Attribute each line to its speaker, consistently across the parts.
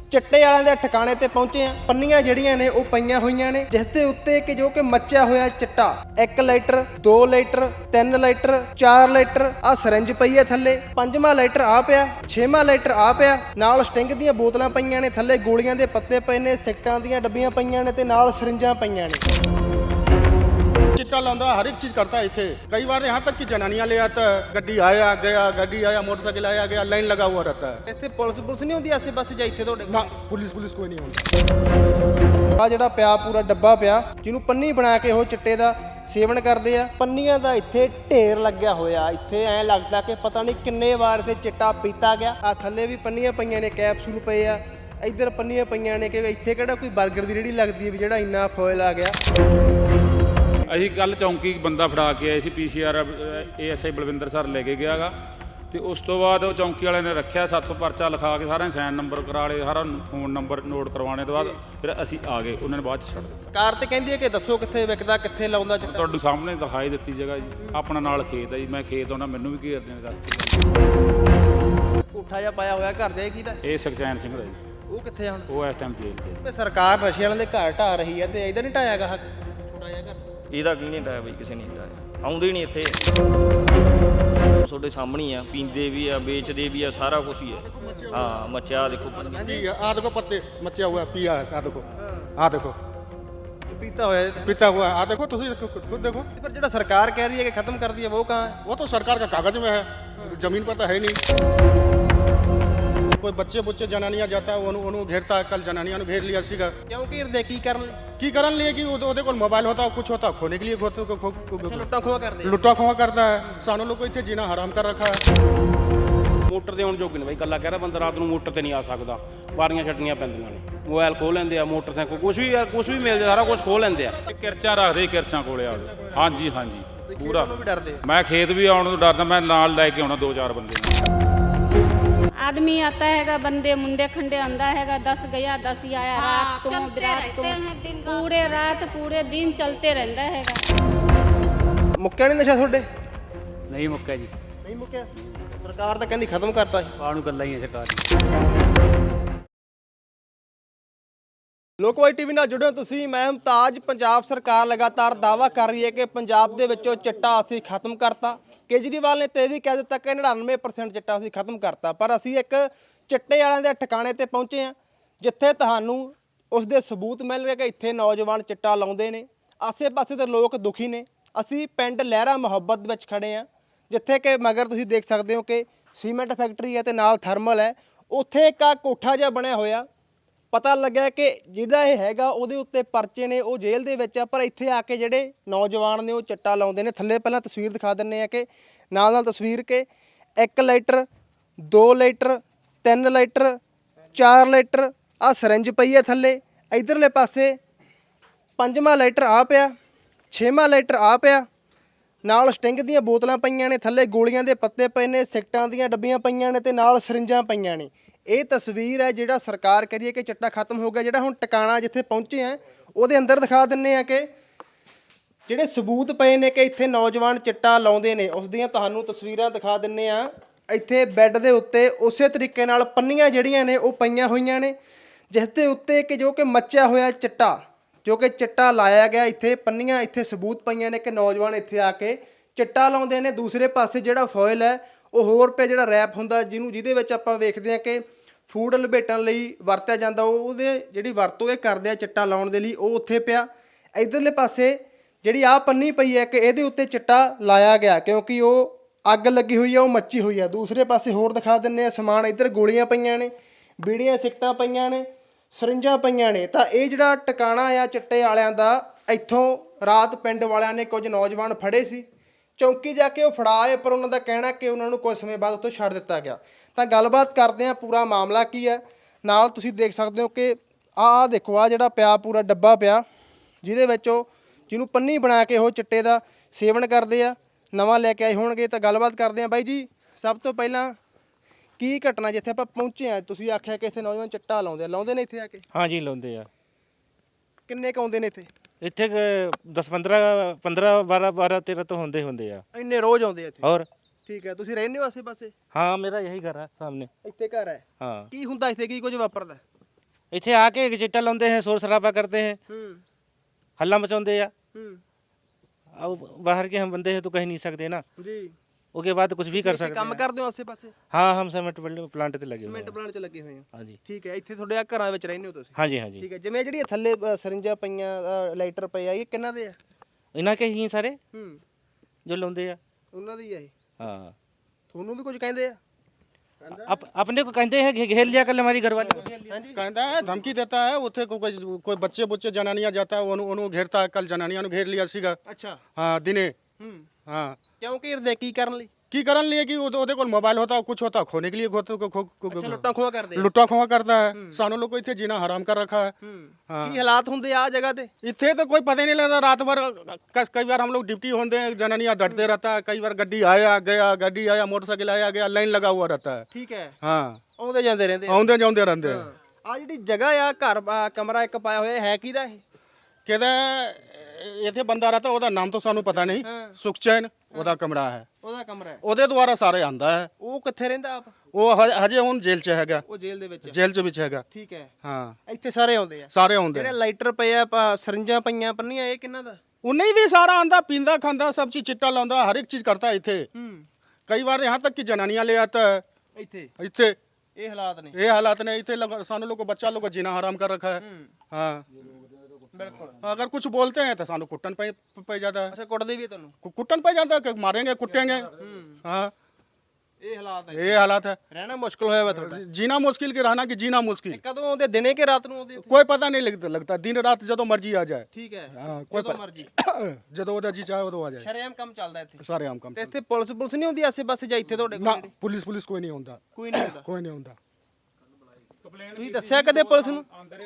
Speaker 1: चिट्टे वालिਆਂ ਦੇ ठिकाने ਤੇ ਪਹੁੰਚੇ ਆ। ਪੰਨੀਆਂ ਜਿਹੜੀਆਂ ਨੇ ਉਹ ਪਈਆਂ ਹੋਈਆਂ ਨੇ ਜਿਸ ਦੇ ਉੱਤੇ ਕਿ ਜੋ ਕਿ ਮੱਚਿਆ ਹੋਇਆ ਚਿੱਟਾ 1 ਲੀਟਰ 2 ਲੀਟਰ 3 ਲੀਟਰ 4 ਲੀਟਰ ਆ ਸਿਰੰਜ ਪਈ ਹੈ ਥੱਲੇ, 5ਵਾਂ ਲੀਟਰ ਆ ਪਿਆ, 6ਵਾਂ ਲੀਟਰ ਆ ਪਿਆ, ਨਾਲ ਸਟਿੰਗ ਦੀਆਂ ਬੋਤਲਾਂ ਪਈਆਂ ਨੇ, ਥੱਲੇ ਗੋਲੀਆਂ ਦੇ ਪੱਤੇ ਪਏ ਨੇ, ਸਿਗਟਾਂ ਦੀਆਂ ਡੱਬੀਆਂ ਪਈਆਂ ਨੇ ਤੇ ਨਾਲ ਸਿਰੰਜਾਂ ਪਈਆਂ ਨੇ।
Speaker 2: चिट्टा लांदा हर एक चीज करता है इथे। कई बार यहाँ तक कि जनानियां ले आता है, गड्डी आया गया, मोटरसाइकिल आया गया, लाइन लगा हुआ रहता है।
Speaker 1: ਇੱਥੇ ਪੁਲਿਸ ਨਹੀਂ ਹੁੰਦੀ ਆਸੇ ਪਾਸੇ ਜਾਂ ਇੱਥੇ ਤੁਹਾਡੇ
Speaker 2: ना पुलिस कोई नहीं होती।
Speaker 1: ਆ ਜਿਹੜਾ ਪਿਆ ਪੂਰਾ ਡੱਬਾ ਪਿਆ ਜਿਹਨੂੰ ਪੰਨੀ ਬਣਾ ਕੇ ਉਹ ਚਿੱਟੇ ਦਾ ਸੇਵਨ ਕਰਦੇ ਆ। ਪੰਨੀਆਂ ਦਾ ਇੱਥੇ ਢੇਰ ਲੱਗਿਆ ਹੋਇਆ, ਇੱਥੇ ਐਂ ਲੱਗਦਾ ਕਿ ਪਤਾ ਨਹੀਂ ਕਿੰਨੇ ਵਾਰ ਇੱਥੇ ਚਿੱਟਾ ਪੀਤਾ ਗਿਆ। ਆ ਥੱਲੇ ਵੀ ਪੰਨੀਆਂ ਪਈਆਂ ਨੇ, ਕੈਪਸੂਲ ਪਏ ਆ, ਇੱਧਰ ਪੰਨੀਆਂ ਪਈਆਂ ਨੇ ਕਿ ਇੱਥੇ ਕਿਹੜਾ ਕੋਈ 버ਗਰ ਦੀ ਰੇਹੜੀ ਲੱਗਦੀ ਹੈ ਵੀ ਜਿਹੜਾ ਇੰਨਾ ਫੋਇਲ ਆ ਗਿਆ।
Speaker 3: ਅਸੀਂ ਕੱਲ ਚੌਂਕੀ ਬੰਦਾ ਫੜਾ ਕੇ ਆਏ ਸੀ, PCR ASI ਬਲਵਿੰਦਰ ਸਰ ਲੈ ਕੇ ਗਿਆਗਾ ਤੇ ਉਸ ਤੋਂ ਬਾਅਦ ਉਹ ਚੌਂਕੀ ਵਾਲੇ ਨੇ ਰੱਖਿਆ, ਸਾਥੋਂ ਪਰਚਾ ਲਿਖਾ ਕੇ ਸਾਰਿਆਂ ਸਾਈਨ ਨੰਬਰ ਕਰਾ ਲਏ, ਸਾਰਾ ਫੋਨ ਨੰਬਰ ਨੋਟ ਕਰਵਾਉਣੇ ਤੋਂ ਬਾਅਦ ਫਿਰ ਅਸੀਂ ਆ ਗਏ। ਉਹਨਾਂ ਨੇ ਬਾਅਦ 'ਚ ਛੱਡ ਦਿੱਤਾ।
Speaker 1: ਕਾਰ ਤੇ ਕਹਿੰਦੀ ਹੈ ਕਿ ਦੱਸੋ ਕਿੱਥੇ ਵਿਕਦਾ, ਕਿੱਥੇ ਲਾਉਂਦਾ ਚਿੱਟਾ।
Speaker 3: ਤੁਹਾਡੇ ਸਾਹਮਣੇ ਦਿਖਾਈ ਦਿੱਤੀ ਜਗ੍ਹਾ ਜੀ, ਆਪਣਾ ਨਾਲ ਖੇਤ ਹੈ ਜੀ, ਮੈਂ ਖੇਤ ਆਉਣਾ, ਮੈਨੂੰ ਵੀ ਘੇਰਦੇ ਨੇ ਰਸਤੇ।
Speaker 1: ਝੂਠਾ ਜਿਹਾ ਪਾਇਆ ਹੋਇਆ ਘਰ ਜਾਏ ਕਿਹਦਾ?
Speaker 3: ਇਹ ਸੁਖਚੈਨ ਸਿੰਘ ਦਾ ਜੀ।
Speaker 1: ਉਹ ਕਿੱਥੇ ਹੁਣ?
Speaker 3: ਉਹ ਇਸ ਟਾਈਮ ਜੇਲ੍ਹ 'ਚ।
Speaker 1: ਤੇ ਸਰਕਾਰ ਨਸ਼ੇ ਵਾਲਿਆਂ ਦੇ ਘਰ ਢਾ ਰਹੀ ਹੈ ਤੇ ਇਹਦਾ ਨਹੀਂ ਢਾਇਆਗਾ ਥੋੜਾ ਜਿਹਾ ਘਰ?
Speaker 4: ਇਹਦਾ ਕੀ ਨਹੀਂ ਢਾਇਆ ਬਈ, ਕਿਸੇ ਨੇ ਨਹੀਂ ਢਾਇਆ, ਆਉਂਦੇ ਨਹੀਂ ਇੱਥੇ। ਤੁਹਾਡੇ ਸਾਹਮਣੇ ਹੀ ਆ, ਪੀਂਦੇ ਵੀ ਆ, ਵੇਚਦੇ ਵੀ ਆ, ਸਾਰਾ ਕੁਝ ਹੀ ਹੈ। ਹਾਂ ਮੱਚਿਆ ਦੇਖੋ,
Speaker 2: आ देखो पत्ते मचा हुआ है, पिया है। आ देखो
Speaker 1: ਪੀਤਾ ਹੋਇਆ
Speaker 2: पीता हुआ है। आ देखो तुम खुद देखो।
Speaker 1: ਪਰ ਜਿਹੜਾ ਸਰਕਾਰ ਕਹਿ ਰਹੀ ਹੈ ਕਿ ਖਤਮ ਕਰ ਦਿਆ ਉਹ ਕਹਾਂ ਹੈ?
Speaker 2: वो तो सरकार का कागज में है, जमीन पर तो है नहीं। कोई बच्चे जनानियां जाता है, उन्होंने घेरता है। कल जनानियां ने घेर लिया सीगा।
Speaker 1: ਕਿਉਂ ਘੇਰਦੇ ਕੀ ਕਰਨ?
Speaker 2: की करन लिए कि ਉਹਦੇ ਕੋਲ मोबाइल होता है, कुछ होता है, खोने के लिए
Speaker 1: ਲੁੱਟਾਂ ਖੋਆ ਕਰਦੇ
Speaker 2: लुट्टा खोहा करता है। सानों लोग को इतने जीना हराम कर रखा है।
Speaker 5: ਮੋਟਰ ਤੇ ਹੁਣ ਜੋਗੇ ਨੇ ਬਾਈ, ਕੱਲਾ ਕਹਿ ਰਿਹਾ ਬੰਦਾ ਰਾਤ ਨੂੰ ਮੋਟਰ ਤੇ ਨਹੀਂ ਆ ਸਕਦਾ, ਬਾਰੀਆਂ ਛੱਡਣੀਆਂ ਪੈਂਦੀਆਂ ਨੇ, ਮੋਬਾਈਲ ਖੋਹ ਲੈਂਦੇ ਆ, ਮੋਟਰਸਾਈਕਲ ਕੁਝ ਵੀ ਮਿਲਦਾ, ਸਾਰਾ ਕੁਝ ਖੋਹ ਲੈਂਦੇ ਆ।
Speaker 3: ਕਿਰਚਾਂ ਰੱਖਦੇ ਕਿਰਚਾਂ ਕੋਲੇ ਆ ਗਏ। ਹਾਂਜੀ ਪੂਰਾ।
Speaker 1: ਵੀ ਡਰਦੇ?
Speaker 3: ਮੈਂ ਖੇਤ ਵੀ ਆਉਣ ਤੋਂ ਡਰਦਾ, ਮੈਂ ਨਾਲ ਲੈ ਕੇ ਆਉਣਾ 2-4 ਬੰਦੇ।
Speaker 6: आदमी आता हैगा, बंदे मुंडे खंडे आंदा हैगा, 10 गया 10 आया, रात तुम बिरात तुम, पूरे रात पूरे दिन चलते रहता हैगा।
Speaker 1: ਮੁੱਕਿਆ ਨਹੀਂ ਨਸ਼ਾ ਤੁਹਾਡੇ?
Speaker 5: ਨਹੀਂ ਮੁੱਕਿਆ ਜੀ,
Speaker 1: ਨਹੀਂ ਮੁੱਕਿਆ। ਸਰਕਾਰ ਤਾਂ ਕਹਿੰਦੀ ਖਤਮ ਕਰਤਾ ਸੀ।
Speaker 5: ਬਾਹਰ ਨੂੰ ਗੱਲਾਂ ਹੀ ਆ ਸਰਕਾਰ ਦੀ।
Speaker 1: ਲੋਕਵਾਈ ਟੀਵੀ ਨਾਲ ਜੁੜੇ ਹੋ ਤੁਸੀਂ, ਮੈਂ ਮੁਮਤਾਜ। ਪੰਜਾਬ ਸਰਕਾਰ ਲਗਾਤਾਰ ਦਾਅਵਾ ਕਰ ਰਹੀ ਹੈ ਕਿ ਪੰਜਾਬ ਦੇ ਵਿੱਚੋਂ ਚਿੱਟਾ ਅਸੀਂ ਖਤਮ ਕਰਤਾ। ਕੇਜਰੀਵਾਲ ਨੇ ਤੇ ਇਹ ਵੀ ਕਹਿ ਦਿੱਤਾ ਕਿ 99% ਚਿੱਟਾ ਅਸੀਂ ਖਤਮ ਕਰਤਾ। ਪਰ ਅਸੀਂ ਇੱਕ ਚਿੱਟੇ ਵਾਲਿਆਂ ਦੇ ਠਿਕਾਣੇ ਤੇ ਪਹੁੰਚੇ ਹਾਂ ਜਿੱਥੇ ਤੁਹਾਨੂੰ ਉਸ ਦੇ ਸਬੂਤ ਮਿਲ ਰਹੇ ਕਿ ਇੱਥੇ ਨੌਜਵਾਨ ਚਿੱਟਾ ਲਾਉਂਦੇ ਨੇ। ਆਸੇ-ਪਾਸੇ ਦੇ ਲੋਕ ਦੁਖੀ ਨੇ। ਅਸੀਂ ਪਿੰਡ ਲਹਿਰਾ ਮੁਹੱਬਤ ਵਿੱਚ ਖੜੇ ਹਾਂ ਜਿੱਥੇ ਕਿ ਮਗਰ ਤੁਸੀਂ ਦੇਖ ਸਕਦੇ ਹੋ ਕਿ ਸੀਮੈਂਟ ਫੈਕਟਰੀ ਹੈ ਤੇ ਨਾਲ ਥਰਮਲ ਹੈ। ਉੱਥੇ ਇੱਕ ਕੋਠਾ ਜਿਹਾ ਬਣਿਆ ਹੋਇਆ, ਪਤਾ ਲੱਗਿਆ ਕਿ ਜਿਹੜਾ ਇਹ ਹੈਗਾ ਉਹਦੇ ਉੱਤੇ ਪਰਚੇ ਨੇ, ਉਹ ਜੇਲ੍ਹ ਦੇ ਵਿੱਚ ਆ। ਪਰ ਇੱਥੇ ਆ ਕੇ ਜਿਹੜੇ ਨੌਜਵਾਨ ਨੇ ਉਹ ਚਿੱਟਾ ਲਾਉਂਦੇ ਨੇ। ਥੱਲੇ ਪਹਿਲਾਂ ਤਸਵੀਰ ਦਿਖਾ ਦਿੰਦੇ ਆ ਕਿ ਨਾਲ ਤਸਵੀਰ ਕਿ 1 ਲੀਟਰ 2 ਲੀਟਰ 3 ਲੀਟਰ 4 ਲੀਟਰ ਆ ਸਿਰੰਜ ਪਈ ਹੈ ਥੱਲੇ। ਇਧਰਲੇ ਪਾਸੇ 5ਵਾਂ ਲੀਟਰ ਆ ਪਿਆ, 6ਵਾਂ ਲੀਟਰ ਆ ਪਿਆ, ਨਾਲ ਸਟਿੰਗ ਦੀਆਂ ਬੋਤਲਾਂ ਪਈਆਂ ਨੇ, ਥੱਲੇ ਗੋਲੀਆਂ ਦੇ ਪੱਤੇ ਪਏ ਨੇ, ਸਿਗਟਾਂ ਦੀਆਂ ਡੱਬੀਆਂ ਪਈਆਂ ਨੇ ਤੇ ਨਾਲ ਸਿਰੰਜਾਂ ਪਈਆਂ ਨੇ। ਇਹ ਤਸਵੀਰ ਹੈ ਜਿਹੜਾ ਸਰਕਾਰ ਕਰੀਏ ਕਿ ਚਿੱਟਾ ਖਤਮ ਹੋ ਗਿਆ। ਜਿਹੜਾ ਹੁਣ ਟਿਕਾਣਾ ਜਿੱਥੇ ਪਹੁੰਚੇ ਆ ਉਹਦੇ ਅੰਦਰ ਦਿਖਾ ਦਿੰਨੇ ਆ ਕਿ ਜਿਹੜੇ ਸਬੂਤ ਪਏ ਨੇ ਕਿ ਇੱਥੇ ਨੌਜਵਾਨ ਚਿੱਟਾ ਲਾਉਂਦੇ ਨੇ, ਉਸ ਦੀਆਂ ਤੁਹਾਨੂੰ ਤਸਵੀਰਾਂ ਦਿਖਾ ਦਿੰਨੇ ਆ। ਇੱਥੇ ਬੈੱਡ ਦੇ ਉੱਤੇ ਉਸੇ ਤਰੀਕੇ ਨਾਲ ਪੰਨੀਆਂ ਜਿਹੜੀਆਂ ਨੇ ਉਹ ਪਈਆਂ ਹੋਈਆਂ ਨੇ ਜਿਸ ਦੇ ਉੱਤੇ ਕਿ ਜੋ ਕਿ ਮੱਚਿਆ ਹੋਇਆ ਚਿੱਟਾ, ਜੋ ਕਿ ਚਿੱਟਾ ਲਾਇਆ ਗਿਆ। ਇੱਥੇ ਪੰਨੀਆਂ, ਇੱਥੇ ਸਬੂਤ ਪਈਆਂ ਨੇ ਕਿ ਨੌਜਵਾਨ ਇੱਥੇ ਆ ਕੇ ਚਿੱਟਾ ਲਾਉਂਦੇ ਨੇ। ਦੂਸਰੇ ਪਾਸੇ ਜਿਹੜਾ ਫੋਇਲ ਹੈ ਉਹ ਹੋਰ ਪਿਆ, ਜਿਹੜਾ ਰੈਪ ਹੁੰਦਾ ਜਿਹਦੇ ਵਿੱਚ ਆਪਾਂ ਵੇਖਦੇ ਹਾਂ ਕਿ ਫੂਡ ਲਪੇਟਣ ਲਈ ਵਰਤਿਆ ਜਾਂਦਾ, ਉਹਦੇ ਜਿਹੜੀ ਵਰਤੋਂ ਇਹ ਕਰਦੇ ਆ ਚਿੱਟਾ ਲਾਉਣ ਦੇ ਲਈ, ਉਹ ਉੱਥੇ ਪਿਆ। ਇੱਧਰਲੇ ਪਾਸੇ ਜਿਹੜੀ ਆਹ ਪੰਨੀ ਪਈ ਹੈ ਕਿ ਇਹਦੇ ਉੱਤੇ ਚਿੱਟਾ ਲਾਇਆ ਗਿਆ ਕਿਉਂਕਿ ਉਹ ਅੱਗ ਲੱਗੀ ਹੋਈ ਹੈ, ਉਹ ਮੱਚੀ ਹੋਈ ਹੈ। ਦੂਸਰੇ ਪਾਸੇ ਹੋਰ ਦਿਖਾ ਦਿੰਦੇ ਆ ਸਮਾਨ। ਇੱਧਰ ਗੋਲੀਆਂ ਪਈਆਂ ਨੇ, ਬੀੜੀਆਂ ਸਿਗਟਾਂ ਪਈਆਂ ਨੇ, ਸਰਿੰਜਾਂ ਪਈਆਂ ਨੇ। ਤਾਂ ਇਹ ਜਿਹੜਾ ਟਿਕਾਣਾ ਆ ਚਿੱਟੇ ਵਾਲਿਆਂ ਦਾ, ਇੱਥੋਂ ਰਾਤ ਪਿੰਡ ਵਾਲਿਆਂ ਨੇ ਕੁਝ ਨੌਜਵਾਨ ਫੜੇ ਸੀ, ਚੌਂਕੀ ਜਾ ਕੇ ਉਹ ਫੜਾ ਆਏ, ਪਰ ਉਹਨਾਂ ਦਾ ਕਹਿਣਾ ਕਿ ਉਹਨਾਂ ਨੂੰ ਕੁਝ ਸਮੇਂ ਬਾਅਦ ਉੱਥੋਂ ਛੱਡ ਦਿੱਤਾ ਗਿਆ। ਤਾਂ ਗੱਲਬਾਤ ਕਰਦੇ ਹਾਂ ਪੂਰਾ ਮਾਮਲਾ ਕੀ ਹੈ। ਨਾਲ ਤੁਸੀਂ ਦੇਖ ਸਕਦੇ ਹੋ ਕਿ ਆਹ ਦੇਖੋ, ਆਹ ਜਿਹੜਾ ਪਿਆ ਪੂਰਾ ਡੱਬਾ ਪਿਆ ਜਿਹਦੇ ਵਿੱਚ ਉਹ ਜਿਹਨੂੰ ਪੰਨੀ ਬਣਾ ਕੇ ਉਹ ਚਿੱਟੇ ਦਾ ਸੇਵਨ ਕਰਦੇ ਆ, ਨਵਾਂ ਲੈ ਕੇ ਆਏ ਹੋਣਗੇ। ਤਾਂ ਗੱਲਬਾਤ ਕਰਦੇ ਹਾਂ। ਬਾਈ ਜੀ, ਸਭ ਤੋਂ ਪਹਿਲਾਂ ਕੀ ਘਟਨਾ ਜਿੱਥੇ ਆਪਾਂ ਪਹੁੰਚੇ ਆ? ਤੁਸੀਂ ਆਖਿਆ ਕਿ ਇੱਥੇ ਨੌਜਵਾਨ ਚਿੱਟਾ ਲਾਉਂਦੇ ਨੇ ਇੱਥੇ ਆ ਕੇ?
Speaker 7: ਹਾਂਜੀ ਲਾਉਂਦੇ ਆ।
Speaker 1: ਕਿੰਨੇ ਕੁ ਆਉਂਦੇ ਨੇ ਇੱਥੇ?
Speaker 7: ਇੱਥੇ 10 15 12 13 ਤੋਂ ਹੁੰਦੇ ਆ।
Speaker 1: ਇੰਨੇ ਰੋਜ਼ ਆਉਂਦੇ ਆ ਇੱਥੇ?
Speaker 7: ਹੋਰ
Speaker 1: ਠੀਕ ਹੈ। ਤੁਸੀਂ ਰਹਿੰਦੇ ਹੋ ਆਸੇ ਪਾਸੇ?
Speaker 7: हाँ मेरा यही घर है सामने।
Speaker 1: ਇੱਥੇ ਘਰ ਹੈ?
Speaker 7: हाँ
Speaker 1: ਕੀ ਹੁੰਦਾ ਇੱਥੇ, ਕੀ ਕੁਝ ਵਾਪਰਦਾ?
Speaker 7: ਇੱਥੇ ਆ ਕੇ ਚਿੱਟਾ ਲਾਉਂਦੇ ਹੈ, शोर शराबा करते हैं, हल्ला मचाते हैं। अब बाहर के हम बंदे हैं तो कह नहीं सकते ना,
Speaker 1: ਜੀ
Speaker 7: उसके बाद कुछ भी कर सकते
Speaker 1: ਕੰਮ
Speaker 7: हैं।
Speaker 1: ਕਰਦੇ ਹੋ ਆਸੇ ਪਾਸੇ
Speaker 7: हाँ हम सीमेंट प्लांट ਤੇ ਲੱਗੇ ਹੋਏ
Speaker 1: ਮਿੰਟ
Speaker 7: ਹਾਂ।
Speaker 1: ਪਲਾਂਟ 'ਚ ਲੱਗੇ ਹੋਏ ਹੋ
Speaker 7: हाँ जी
Speaker 1: ਠੀਕ ਹੈ ਇੱਥੇ ਤੁਹਾਡੇ ਆ ਘਰਾਂ ਵਿੱਚ ਰਹਿੰਦੇ ਹੋ ਤੁਸੀਂ
Speaker 7: हाँ जी हाँ जी।
Speaker 1: ਠੀਕ ਹੈ ਜਿਵੇਂ ਜਿਹੜੀਆਂ ਥੱਲੇ ਸਰਿੰਜਾਂ ਪਈਆਂ ਲਾਈਟਰ ਪਏ ਆ ਇਹ ਕਿੰਨਾ ਦੇ ਆ
Speaker 7: ਇਹਨਾਂ ਕੇ ਹੀ ਸਾਰੇ
Speaker 1: ਹੂੰ
Speaker 7: ਜੋ ਲਾਉਂਦੇ ਆ।
Speaker 1: ਉਹਨਾਂ ਦੀ ਆ ਇਹ
Speaker 7: हाँ
Speaker 1: ਤੁਹਾਨੂੰ ਵੀ ਕੁਝ ਕਹਿੰਦੇ ਆ
Speaker 7: अपने को कहते हैं घेर लिया कल हमारी घरवाली को घेर लिया।
Speaker 2: कहता है धमकी देता है उथे कोई बच्चे बुच्चे जनानियां जाता है उन्होंने घेरता है। कल जनानियां ने घेर लिया सीगा
Speaker 1: ਅੱਛਾ
Speaker 2: हाँ दिने
Speaker 1: ਹੂੰ
Speaker 2: हाँ
Speaker 1: ਕਿਉਂ ਘੇਰਦੇ ਕੀ ਕਰਨ ਲਈ
Speaker 2: की करन लिए कि ਉਹਦੇ ਕੋਲ मोबाइल होता कुछ होता खोने के लिए
Speaker 1: ਅੱਛਾ ਲੁੱਟਾਂ ਖੋਹਾਂ ਕਰਦੇ ਆ
Speaker 2: लुट्टा खोआ करता है। सानू लोग को इतने जीना हराम कर रखा है।
Speaker 1: ਹੂੰ ਕੀ ਹਾਲਾਤ ਹੁੰਦੇ ਆ ਜਗ੍ਹਾ ਤੇ
Speaker 2: इतने तो कोई पता ही नहीं लगता। रात भर कई बार हम लोग ड्यूटी होते हैं जनानियां डटते रहता है। कई बार गड्डी आया गया गड्डी आया मोटरसाइकिल आया गया लाइन लगा हुआ रहता है।
Speaker 1: ਠੀਕ ਹੈ
Speaker 2: हाँ
Speaker 1: ਆਉਂਦੇ ਜਾਂਦੇ ਰਹਿੰਦੇ ਆ
Speaker 2: आउंदे जाउंदे रहते हैं।
Speaker 1: ਆ ਜਿਹੜੀ ਜਗ੍ਹਾ ਆ ਘਰ ਕਮਰਾ ਇੱਕ ਪਾਇਆ ਹੋਇਆ ਹੈ ਕਿਹਦਾ ਇਹ
Speaker 2: कहता ਇੱਥੇ ਬੰਦਾ ਰਹਤਾ ਉਹਦਾ ਨਾਮ ਤਾਂ ਸਾਨੂੰ ਪਤਾ ਨਹੀਂ। ਸੁਖਚੈਨ ਉਹਦਾ ਕਮਰਾ ਹੈ।
Speaker 1: ਉਹਦਾ ਕਮਰਾ ਹੈ
Speaker 2: ਉਹਦੇ ਦੁਆਰਾ ਸਾਰੇ ਆਂਦਾ ਹੈ।
Speaker 1: ਉਹ ਕਿੱਥੇ ਰਹਿੰਦਾ ਆਪ
Speaker 2: ਉਹ ਹਜੇ ਹੁਣ ਜੇਲ੍ਹ 'ਚ ਹੈਗਾ।
Speaker 1: ਉਹ ਜੇਲ੍ਹ ਦੇ ਵਿੱਚ
Speaker 2: ਜੇਲ੍ਹ 'ਚ ਵਿੱਚ ਹੈਗਾ।
Speaker 1: ਠੀਕ ਹੈ
Speaker 2: ਹਾਂ
Speaker 1: ਇੱਥੇ ਸਾਰੇ ਆਉਂਦੇ ਆ
Speaker 2: ਸਾਰੇ ਆਉਂਦੇ
Speaker 1: ਜਿਹੜੇ ਲਾਈਟਰ ਪਏ ਆ ਸਰਿੰਜਾਂ ਪਈਆਂ ਪੰਨੀਆਂ ਇਹ ਕਿੰਨਾ ਦਾ
Speaker 2: ਉਨੇ ਹੀ ਦੀ ਸਾਰਾ ਆਂਦਾ ਪੀਂਦਾ ਖਾਂਦਾ ਸਭ ਚੀਜ਼ ਚਿੱਟਾ ਲਾਉਂਦਾ ਹਰ ਇੱਕ ਚੀਜ਼ ਕਰਤਾ ਇੱਥੇ।
Speaker 1: ਹੂੰ
Speaker 2: ਕਈ ਵਾਰ यहाँ तक कि जनानियां ले आता है
Speaker 1: ਇੱਥੇ
Speaker 2: ਇੱਥੇ।
Speaker 1: ਇਹ ਹਾਲਾਤ ਨੇ
Speaker 2: ये हालात ने ਇੱਥੇ ਸਾਨੂੰ लोग को बच्चा लोग को जीना हराम कर रखा है। हाँ
Speaker 1: ਬਿਲਕੁਲ
Speaker 2: अगर कुछ बोलते हैं तो सानू कुट्टन पे जाता है।
Speaker 1: ਅੱਛਾ ਕੁੱਟਦੇ ਵੀ ਆ ਤੁਹਾਨੂੰ
Speaker 2: कुट्टन पे जाता है कि मारेंगे कुटेंगे। हाँ
Speaker 1: ਇਹ ਹਾਲਾਤ ਹੈ
Speaker 2: ये हालात है।
Speaker 1: ਰਹਿਣਾ ਮੁਸ਼ਕਲ ਹੋਇਆ ਵਾ ਤੁਹਾਡਾ
Speaker 2: जीना मुश्किल के रहना कि जीना मुश्किल
Speaker 1: ਇਹ ਕਦੋਂ ਆਉਂਦੇ ਦਿਨੇ ਕਿ ਰਾਤ ਨੂੰ ਆਉਂਦੇ ਇੱਥੇ?
Speaker 2: कोई पता नहीं लगता दिन रात जो मर्जी आ जाए।
Speaker 1: ਠੀਕ ਹੈ
Speaker 2: हाँ कोई
Speaker 1: ਜਦੋਂ ਮਰਜੀ
Speaker 2: ਜਦੋਂ ਉਹਦਾ ਜੀ ਚਾਹੇ ਉਦੋਂ ਆ ਜਾਏ।
Speaker 1: ਸ਼ਰੇਆਮ ਕੰਮ ਚੱਲਦਾ ਇੱਥੇ
Speaker 2: ਸਾਰੇ ਆਮ ਕੰਮ
Speaker 1: ਤੇ ਇੱਥੇ ਪੁਲਿਸ ਨਹੀਂ ਹੁੰਦੀ ਆਸੇ ਪਾਸੇ ਜਾਂ ਇੱਥੇ ਤੁਹਾਡੇ
Speaker 2: ਨਾ
Speaker 1: ਕੋਲ
Speaker 2: ਪੁਲਿਸ ਕੋਈ ਨਹੀਂ ਹੁੰਦਾ।
Speaker 1: ਕੋਈ ਨਹੀਂ ਹੁੰਦਾ
Speaker 2: ਕੋਈ ਨਹੀਂ ਹੁੰਦਾ।
Speaker 1: ਤੁਸੀਂ ਦੱਸਿਆ ਕਦੇ ਪੁਲਿਸ ਨੂੰ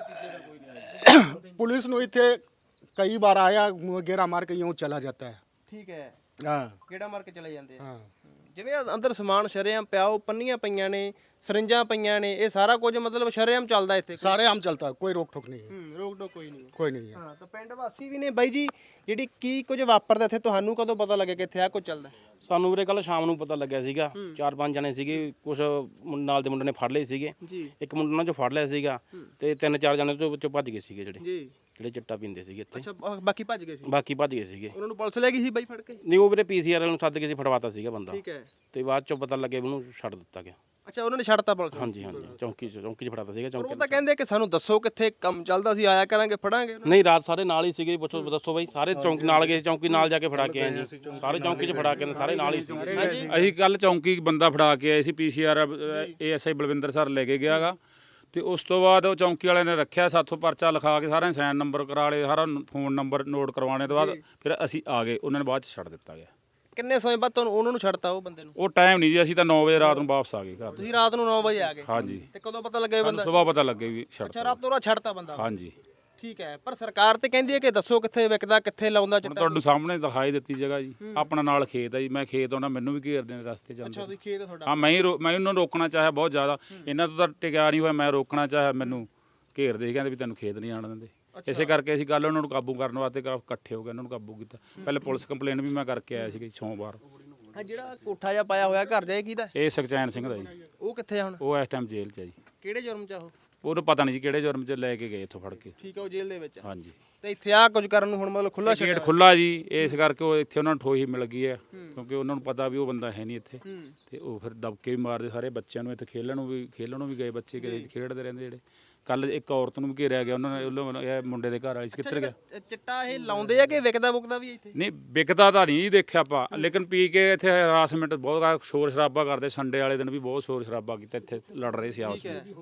Speaker 2: ਪੁਲਿਸ ਨੂੰ ਇੱਥੇ ਕਈ ਵਾਰ ਆਇਆ ਗੇੜਾ ਮਾਰ ਕੇ यूं ਚਲਾ ਜਾਂਦਾ ਹੈ।
Speaker 1: ਠੀਕ ਹੈ
Speaker 2: ਹਾਂ
Speaker 1: ਕਿਹੜਾ ਮਾਰ ਕੇ ਚਲੇ ਜਾਂਦੇ ਆ
Speaker 2: ਹਾਂ
Speaker 1: ਜਿਵੇਂ ਆਹ ਅੰਦਰ ਸਮਾਨ ਸ਼ਰੇਆਮ ਪਿਆ ਉਹ ਪੰਨੀਆਂ ਪਈਆਂ ਨੇ ਸਰਿੰਜਾਂ ਪਈਆਂ ਨੇ ਇਹ ਸਾਰਾ ਕੁਝ ਮਤਲਬ ਸ਼ਰੇਆਮ ਚੱਲਦਾ ਇੱਥੇ
Speaker 2: ਸਾਰੇ ਆਮ ਚਲਤਾ ਹੈ ਕੋਈ ਰੋਕ ਠੋਕ ਨਹੀਂ ਹੈ।
Speaker 1: ਰੋਕ ਟੋਕ ਕੋਈ ਨਹੀਂ
Speaker 2: ਕੋਈ ਨਹੀਂ ਹੈ।
Speaker 1: ਹਾਂ ਤਾਂ ਪਿੰਡ ਵਾਸੀ ਵੀ ਨੇ ਬਾਈ ਜੀ ਜਿਹੜੀ ਕੀ ਕੁਝ ਵਾਪਰਦਾ ਇੱਥੇ ਤੁਹਾਨੂੰ ਕਦੋਂ ਪਤਾ ਲੱਗਿਆ ਕਿ ਇੱਥੇ ਆ ਕੁਝ ਚੱਲਦਾ
Speaker 5: ਸਾਨੂੰ ਵੀਰੇ ਕੱਲ ਸ਼ਾਮ ਨੂੰ ਪਤਾ ਲੱਗਿਆ ਸੀਗਾ 4-5 ਜਣੇ ਸੀਗੇ ਕੁਝ ਨਾਲ ਦੇ ਮੁੰਡੇ ਨੇ ਫੜ ਲਏ ਸੀਗੇ
Speaker 1: ਜੀ
Speaker 5: ਇੱਕ ਮੁੰਡਾ ਉਹਨਾਂ ਚੋਂ ਫੜ ਲਿਆ ਸੀਗਾ ਤੇ 3-4 ਜਣੇ ਤੋਂ ਵਿੱਚੋਂ ਭੱਜ ਗਏ ਸੀਗੇ
Speaker 1: ਜੀ
Speaker 5: ਜਿਹੜੇ ਚਿੱਟਾ ਪੀਂਦੇ ਸੀਗੇ ਇੱਥੇ
Speaker 1: ਅੱਛਾ ਬਾਕੀ ਭੱਜ ਗਏ ਸੀ
Speaker 5: ਬਾਕੀ ਭੱਜ ਗਏ ਸੀਗੇ
Speaker 1: ਉਹਨਾਂ ਨੂੰ ਪੁਲਿਸ ਲੈ ਗਈ ਸੀ ਬਾਈ ਫੜ ਕੇ
Speaker 5: ਨਹੀਂ ਉਹ ਵੀਰੇ ਪੀਸੀਆਰ ਵਾਲੇ ਨੂੰ ਸੱਦ ਕੇ ਸੀ ਫੜਵਾਤਾ ਸੀਗਾ ਬੰਦਾ
Speaker 1: ਠੀਕ ਹੈ
Speaker 5: ਤੇ ਬਾਅਦ ਚੋਂ ਪਤਾ ਲੱਗਿਆ ਵੀ ਉਹਨੂੰ ਛੱਡ ਦਿੱਤਾ ਗਿਆ।
Speaker 1: ਅੱਛਾ ਉਹਨਾਂ ਨੇ ਛੱਡਤਾ ਪੁਲਿਸ ਨੂੰ।
Speaker 5: ਹਾਂਜੀ ਚੌਂਕੀ 'ਚ ਫੜਾਤਾ ਸੀਗਾ
Speaker 1: ਪਰ
Speaker 5: ਚੌਂਕੀ
Speaker 1: ਉਹ ਤਾਂ ਕਹਿੰਦੇ ਕਿ ਸਾਨੂੰ ਦੱਸੋ ਕਿੱਥੇ ਕੰਮ ਚੱਲਦਾ ਸੀ ਆਇਆ ਕਰਾਂਗੇ ਫੜਾਂਗੇ
Speaker 5: ਨਹੀਂ ਰਾਤ ਸਾਰੇ ਨਾਲ ਹੀ ਸੀਗੇ ਪੁੱਛੋ ਦੱਸੋ ਬਾਈ ਸਾਰੇ ਚੌਂਕੀ ਨਾਲ ਗਏ ਚੌਂਕੀ ਨਾਲ ਜਾ ਕੇ ਫੜਾ ਕੇ ਆਏ ਜੀ ਸਾਰੇ ਚੌਂਕੀ 'ਚ ਫੜਾ ਕੇ ਆਏ, ਸਾਰੇ ਨਾਲ ਹੀ ਸੀ।
Speaker 3: ਅਸੀਂ ਕੱਲ ਚੌਂਕੀ ਬੰਦਾ ਫੜਾ ਕੇ ਆਏ ਸੀ ਪੀਸੀਆਰ ਏਐਸਆਈ ਬਲਵਿੰਦਰ ਸਰ ਲੈ ਕੇ ਗਿਆਗਾ ਤੇ ਉਸ ਤੋਂ ਬਾਅਦ ਉਹ ਚੌਂਕੀ ਵਾਲਿਆਂ ਨੇ ਰੱਖਿਆ ਸਾਥੋਂ ਪਰਚਾ ਲਿਖਾ ਕੇ ਸਾਰਿਆਂ ਸਾਈਨ ਨੰਬਰ ਕਰਾ ਲਏ ਸਾਰਾ ਫੋਨ ਨੰਬਰ ਨੋਟ ਕਰਵਾਉਣੇ ਤੋਂ ਬਾਅਦ ਫਿਰ ਅਸੀਂ ਆ ਗਏ ਉਹਨਾਂ ਨੇ ਬਾਅਦ ਚ ਛੱਡ ਦਿੱਤਾ ਗਿਆ।
Speaker 1: ਕਿੰਨੇ ਸਮੇਂ ਬਾਅਦ ਤੁਹਾਨੂੰ ਉਹਨਾਂ ਨੂੰ ਛੱਡਤਾ ਉਹ ਬੰਦੇ ਨੂੰ
Speaker 3: ਉਹ ਟਾਈਮ ਨਹੀਂ ਜੀ ਅਸੀਂ ਤਾਂ 9 ਵਜੇ ਰਾਤ ਨੂੰ ਵਾਪਸ ਆ ਗਏ ਘਰ।
Speaker 1: ਤੁਸੀਂ ਰਾਤ ਨੂੰ 9 ਵਜੇ ਆ ਗਏ
Speaker 3: ਹਾਂਜੀ
Speaker 1: ਤੇ ਕਦੋਂ ਪਤਾ ਲੱਗਿਆ ਇਹ ਬੰਦਾ
Speaker 3: ਸਵੇਰ ਪਤਾ ਲੱਗੇ ਵੀ
Speaker 1: ਅੱਛਾ
Speaker 3: ਛੱਡਤਾ।
Speaker 1: ਰਾਤੋਂ ਰਾਤ ਛੱਡਤਾ ਬੰਦਾ
Speaker 3: ਹਾਂਜੀ
Speaker 1: ਠੀਕ ਹੈ ਪਰ ਸਰਕਾਰ ਤੇ ਕਹਿੰਦੀ ਹੈ ਕਿ ਦੱਸੋ ਕਿੱਥੇ ਵਿਕਦਾ ਕਿੱਥੇ ਲਾਉਂਦਾ
Speaker 3: ਹੁਣ
Speaker 1: ਚਿੱਟਾ
Speaker 3: ਤੁਹਾਨੂੰ ਸਾਹਮਣੇ ਦਿਖਾਈ ਦਿੱਤੀ ਜਗ੍ਹਾ ਜੀ ਆਪਣਾ ਨਾਲ ਖੇਤ ਆ ਜੀ ਮੈਂ ਖੇਤ ਆਉਣਾ ਮੈਨੂੰ ਵੀ ਘੇਰਦੇ ਨੇ ਰਸਤੇ ਚ
Speaker 1: ਅੱਛਾ
Speaker 3: ਅੰਦਰ।
Speaker 1: ਤੁਸੀਂ ਖੇਤ ਹੈ ਤੁਹਾਡਾ
Speaker 3: ਹਾਂ ਮੈਂ ਉਹਨਾਂ ਨੂੰ ਰੋਕਣਾ ਚਾਹਿਆ ਬਹੁਤ ਜ਼ਿਆਦਾ ਇਹਨਾਂ ਤੋਂ ਤਾਂ ਟਿਕਿਆ ਨਹੀਂ ਹੋਇਆ ਮੈਂ ਰੋਕਣਾ ਚਾਹਿਆ ਮੈਨੂੰ ਘੇਰਦੇ ਸੀ ਕਹਿੰਦੇ ਵੀ ਤੈਨੂੰ ਖੇਤ ਨਹੀਂ ਆਉਣ ਦਿੰਦੇ ਇਸੇ ਕਰਕੇ ਅਸੀਂ ਕੱਲ ਉਹਨਾਂ ਨੂੰ ਕਾਬੂ ਕਰਨ ਵਾਸਤੇ ਇਕੱਠੇ ਹੋ ਕੇ ਉਹਨਾਂ ਨੂੰ ਕਾਬੂ ਕੀਤਾ। ਪਹਿਲੇ ਪੁਲਿਸ ਕੰਪਲੇਨ ਵੀ ਮੈਂ ਕਰਕੇ ਆਇਆ ਸੀ ਸੋਮਵਾਰ।
Speaker 1: ਹਾਂ ਜਿਹੜਾ ਕੋਠਾ ਜਿਹਾ ਪਾਇਆ ਹੋਇਆ ਘਰ ਜਾਏ ਕਿਹਦਾ
Speaker 3: ਇਹ ਸੁਖਚੈਨ ਸਿੰਘ ਦਾ ਜੀ
Speaker 1: ਉਹ ਕਿੱਥੇ ਆ ਹੁਣ
Speaker 3: ਉਹ ਇਸ ਟਾਈਮ ਜੇਲ੍ਹ 'ਚ ਹੈ ਜੀ।
Speaker 1: ਕਿਹੜੇ ਜੁਰਮ ਚ ਆ ਉਹ
Speaker 3: ਉਹਨੂੰ ਪਤਾ ਨਹੀਂ ਜੀ ਕਿਹੜੇ ਜੁਰਮ 'ਚ ਲੈ ਕੇ ਗਏ ਇੱਥੋਂ ਫੜ ਕੇ।
Speaker 1: ਠੀਕ ਹੈ ਉਹ ਜੇਲ੍ਹ ਦੇ ਵਿੱਚ ਆ।
Speaker 3: ਹਾਂਜੀ
Speaker 1: ਤੇ ਇੱਥੇ ਆ ਕੁਝ ਕਰਨ ਨੂੰ ਹੁਣ ਮਤਲਬ ਖੁੱਲਾ
Speaker 3: ਗੇਟ ਖੁੱਲਾ ਜੀ ਇਸ ਕਰਕੇ ਉਹ ਇੱਥੇ ਉਹਨਾਂ ਨੂੰ ਠੋਹੀ ਮਿਲ ਗਈ ਹੈ ਕਿਉਂਕਿ ਉਹਨਾਂ ਨੂੰ ਪਤਾ ਵੀ ਉਹ ਬੰਦਾ ਹੈ ਨਹੀਂ ਇੱਥੇ ਤੇ ਉਹ ਫਿਰ ਦਬਕੇ ਵੀ ਮਾਰਦੇ ਸਾਰੇ ਬੱਚਿਆਂ ਨੂੰ ਇੱਥੇ ਖੇਲਣ ਨੂੰ ਵੀ ਗਏ ਬੱਚੇ ਖੇਡਦੇ ਰਹਿੰਦੇ ਜਿਹੜੇ। ਕੱਲ ਇੱਕ ਔਰਤ ਨੂੰ ਵੀ ਘੇਰਿਆ ਗਿਆ ਉਹਨਾਂ ਨੇ ਇਹ ਮੁੰਡੇ ਦੇ ਘਰ ਵਾਲੀ ਸੀ ਕਿੱਧਰ ਗਿਆ।
Speaker 1: ਚਿੱਟਾ ਇਹ ਲਾਉਂਦੇ ਆ ਕਿ ਵਿਕਦਾ ਵੁਕਦਾ ਵੀ ਇੱਥੇ
Speaker 3: ਨਹੀਂ ਵਿਕਦਾ ਤਾਂ ਨਹੀਂ ਦੇਖਿਆ ਆਪਾਂ ਲੇਕਿਨ ਪੀ ਕੇ ਇੱਥੇ ਹਰਾਸਮੈਂਟ ਬਹੁਤ ਸ਼ੋਰ ਸ਼ਰਾਬਾ ਕਰਦੇ ਸੰਡੇ ਵਾਲੇ ਦਿਨ ਵੀ ਬਹੁਤ ਸ਼ੋਰ ਸ਼ਰਾਬਾ ਕੀਤਾ ਇੱਥੇ ਲੜ ਰਹੇ ਸੀ ਆਪਸ ਵਿੱਚ।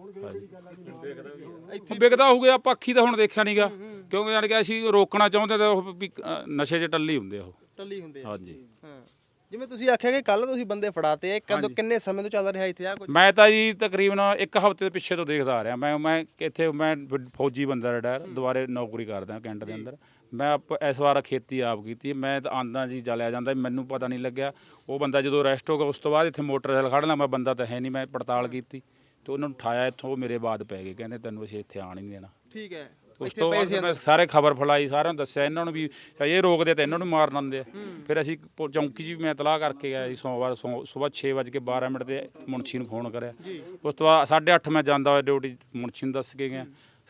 Speaker 3: ਵਿਕਦਾ ਹੋ ਗਿਆ ਆਪਾਂ ਅੱਖੀ ਤਾਂ ਹੁਣ ਦੇਖਿਆ ਨਹੀਂਗਾ ਕਿਉਂਕਿ ਯਾਨੀ ਕਿ ਅਸੀਂ ਰੋਕਣਾ ਚਾਹੁੰਦੇ ਤਾਂ ਉਹ ਵੀ ਨਸ਼ੇ 'ਚ ਟੱਲੀ ਹੁੰਦੇ ਆ ਉਹ।
Speaker 1: ਟੱਲੀ ਹੁੰਦੇ ਆ
Speaker 3: ਹਾਂਜੀ
Speaker 1: ਹਾਂ ਜਿਵੇਂ ਤੁਸੀਂ ਆਖਿਆ ਕਿ ਕੱਲ ਤੁਸੀਂ ਬੰਦੇ ਫੜਾਤੇ ਆ ਕਦੋਂ ਕਿੰਨੇ ਸਮੇਂ ਤੋਂ ਚੱਲ ਰਿਹਾ ਇੱਥੇ ਆ ਕੁਝ
Speaker 3: ਮੈਂ ਤਾਂ ਜੀ ਤਕਰੀਬਨ 1 ਹਫ਼ਤੇ ਦੇ ਪਿੱਛੇ ਤੋਂ ਦੇਖਦਾ ਆ ਰਿਹਾ ਮੈਂ ਇੱਥੇ ਮੈਂ ਫੌਜੀ ਬੰਦਾ ਰਿਟਾਇਰ ਦੁਬਾਰੇ ਨੌਕਰੀ ਕਰਦਾ ਕੈਂਟ ਦੇ ਅੰਦਰ। ਮੈਂ ਇਸ ਵਾਰ ਖੇਤੀ ਆਪ ਕੀਤੀ ਮੈਂ ਤਾਂ ਆਂਦਾ ਜੀ ਜਲਿਆ ਜਾਂਦਾ ਮੈਨੂੰ ਪਤਾ ਨਹੀਂ ਲੱਗਿਆ ਉਹ ਬੰਦਾ ਜਦੋਂ ਅਰੈਸਟ ਹੋ ਗਿਆ ਉਸ ਤੋਂ ਬਾਅਦ ਇੱਥੇ ਮੋਟਰਸਾਈਕਲ ਖੜ੍ਹਨਾ ਮੈਂ ਬੰਦਾ ਤਾਂ ਹੈ ਨਹੀਂ ਮੈਂ ਪੜਤਾਲ ਕੀਤੀ ਤੇ ਉਹਨਾਂ ਨੂੰ ਉਠਾਇਆ ਇੱਥੋਂ ਉਹ ਮੇਰੇ ਬਾਅਦ ਪੈ ਗਏ ਕਹਿੰਦੇ ਤੈਨੂੰ ਅਸੀਂ ਇੱਥੇ ਆਣ ਹੀ ਨਹੀਂ ਦੇਣਾ।
Speaker 1: ਠੀਕ ਹੈ
Speaker 3: ਉਸ ਤੋਂ ਬਾਅਦ ਮੈਂ ਸਾਰੇ ਖਬਰ ਫੈਲਾਈ, ਸਾਰਿਆਂ ਨੂੰ ਦੱਸਿਆ, ਇਹਨਾਂ ਨੂੰ ਵੀ ਇਹ ਰੋਕਦੇ ਤਾਂ ਇਹਨਾਂ ਨੂੰ ਮਾਰ ਦਿੰਦੇ ਆ। ਫਿਰ ਅਸੀਂ ਚੌਂਕੀ 'ਚ ਵੀ ਮੈਂ ਇਤਲਾਹ ਕਰਕੇ ਗਿਆ ਜੀ, ਸੋਮਵਾਰ ਸੁਬਾਹ 6:12 ਤੇ ਮੁਨਸ਼ੀ ਨੂੰ ਫੋਨ ਕਰਿਆ। ਉਸ ਤੋਂ ਬਾਅਦ 8:30 ਮੈਂ ਜਾਂਦਾ ਹੋਇਆ ਡਿਊਟੀ, ਮੁਨਸ਼ੀ ਨੂੰ ਦੱਸ ਕੇ ਗਿਆ।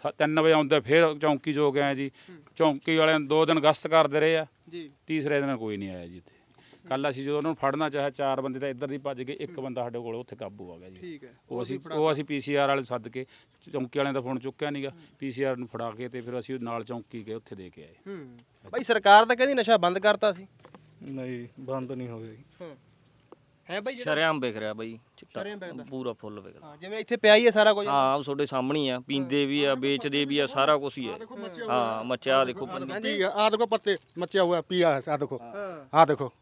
Speaker 3: 3 ਵਜੇ ਆਉਂਦੇ ਫਿਰ ਚੌਂਕੀ 'ਚ ਹੋ ਗਿਆ ਜੀ। ਚੌਂਕੀ ਵਾਲਿਆਂ 2 ਦਿਨ ਗਸ਼ਤ ਕਰਦੇ ਰਹੇ ਆ, ਤੀਸਰੇ ਦਿਨ ਕੋਈ ਨਹੀਂ ਆਇਆ ਜੀ ਇੱਥੇ। ਕੱਲ ਅਸੀਂ ਜਦੋਂ ਉਹਨਾਂ ਨੂੰ ਫੜਨਾ ਚਾਹਿਆ, 4 ਬੰਦੇ ਤਾਂ ਇੱਧਰ ਦੀ ਭੱਜ ਗਏ, 1 ਬੰਦਾ ਸਾਡੇ ਕੋਲ ਉੱਥੇ ਕਾਬੂ ਆ ਗਿਆ ਜੀ। ਉਹ ਅਸੀਂ PCR ਵਾਲੇ ਸੱਦ ਕੇ, ਚੌਂਕੀ ਵਾਲਿਆਂ ਦਾ ਫੋਨ ਚੁੱਕਿਆ ਨਹੀਂਗਾ, PCR ਨੂੰ ਫੜਾ ਕੇ ਤੇ ਫਿਰ ਅਸੀਂ ਨਾਲ ਚੌਂਕੀ ਗਏ, ਉੱਥੇ ਦੇ ਕੇ ਆਏ।
Speaker 1: ਬਾਈ ਸਰਕਾਰ ਤਾਂ ਕਹਿੰਦੀ ਨਸ਼ਾ ਬੰਦ ਕਰਤਾ ਸੀ।
Speaker 8: ਨਹੀਂ ਬੰਦ ਨਹੀਂ ਹੋਇਆ ਜੀ।
Speaker 1: ਹੈ ਬਾਈ
Speaker 4: ਸ਼ਰੇਆਮ ਵਿਕ ਰਿਹਾ ਬਾਈ ਚਿੱਟਾ, ਪੂਰਾ ਫੁੱਲ ਵਿਕਦਾ।
Speaker 1: ਹਾਂ, ਜਿਵੇਂ ਇੱਥੇ ਪਿਆ ਹੀ ਹੈ ਸਾਰਾ ਕੁਝ।
Speaker 4: ਹਾਂ ਉਹ ਤੁਹਾਡੇ ਸਾਹਮਣੇ ਹੀ ਆ, ਪੀਂਦੇ ਵੀ ਆ, ਵੇਚਦੇ ਵੀ ਆ, ਸਾਰਾ ਕੁਝ ਹੀ ਹੈ। ਹਾਂ ਮੱਚਿਆ ਦੇਖੋ
Speaker 2: आ देखो पत्ते मचा हुआ पिया है, आ देखो, हाँ देखो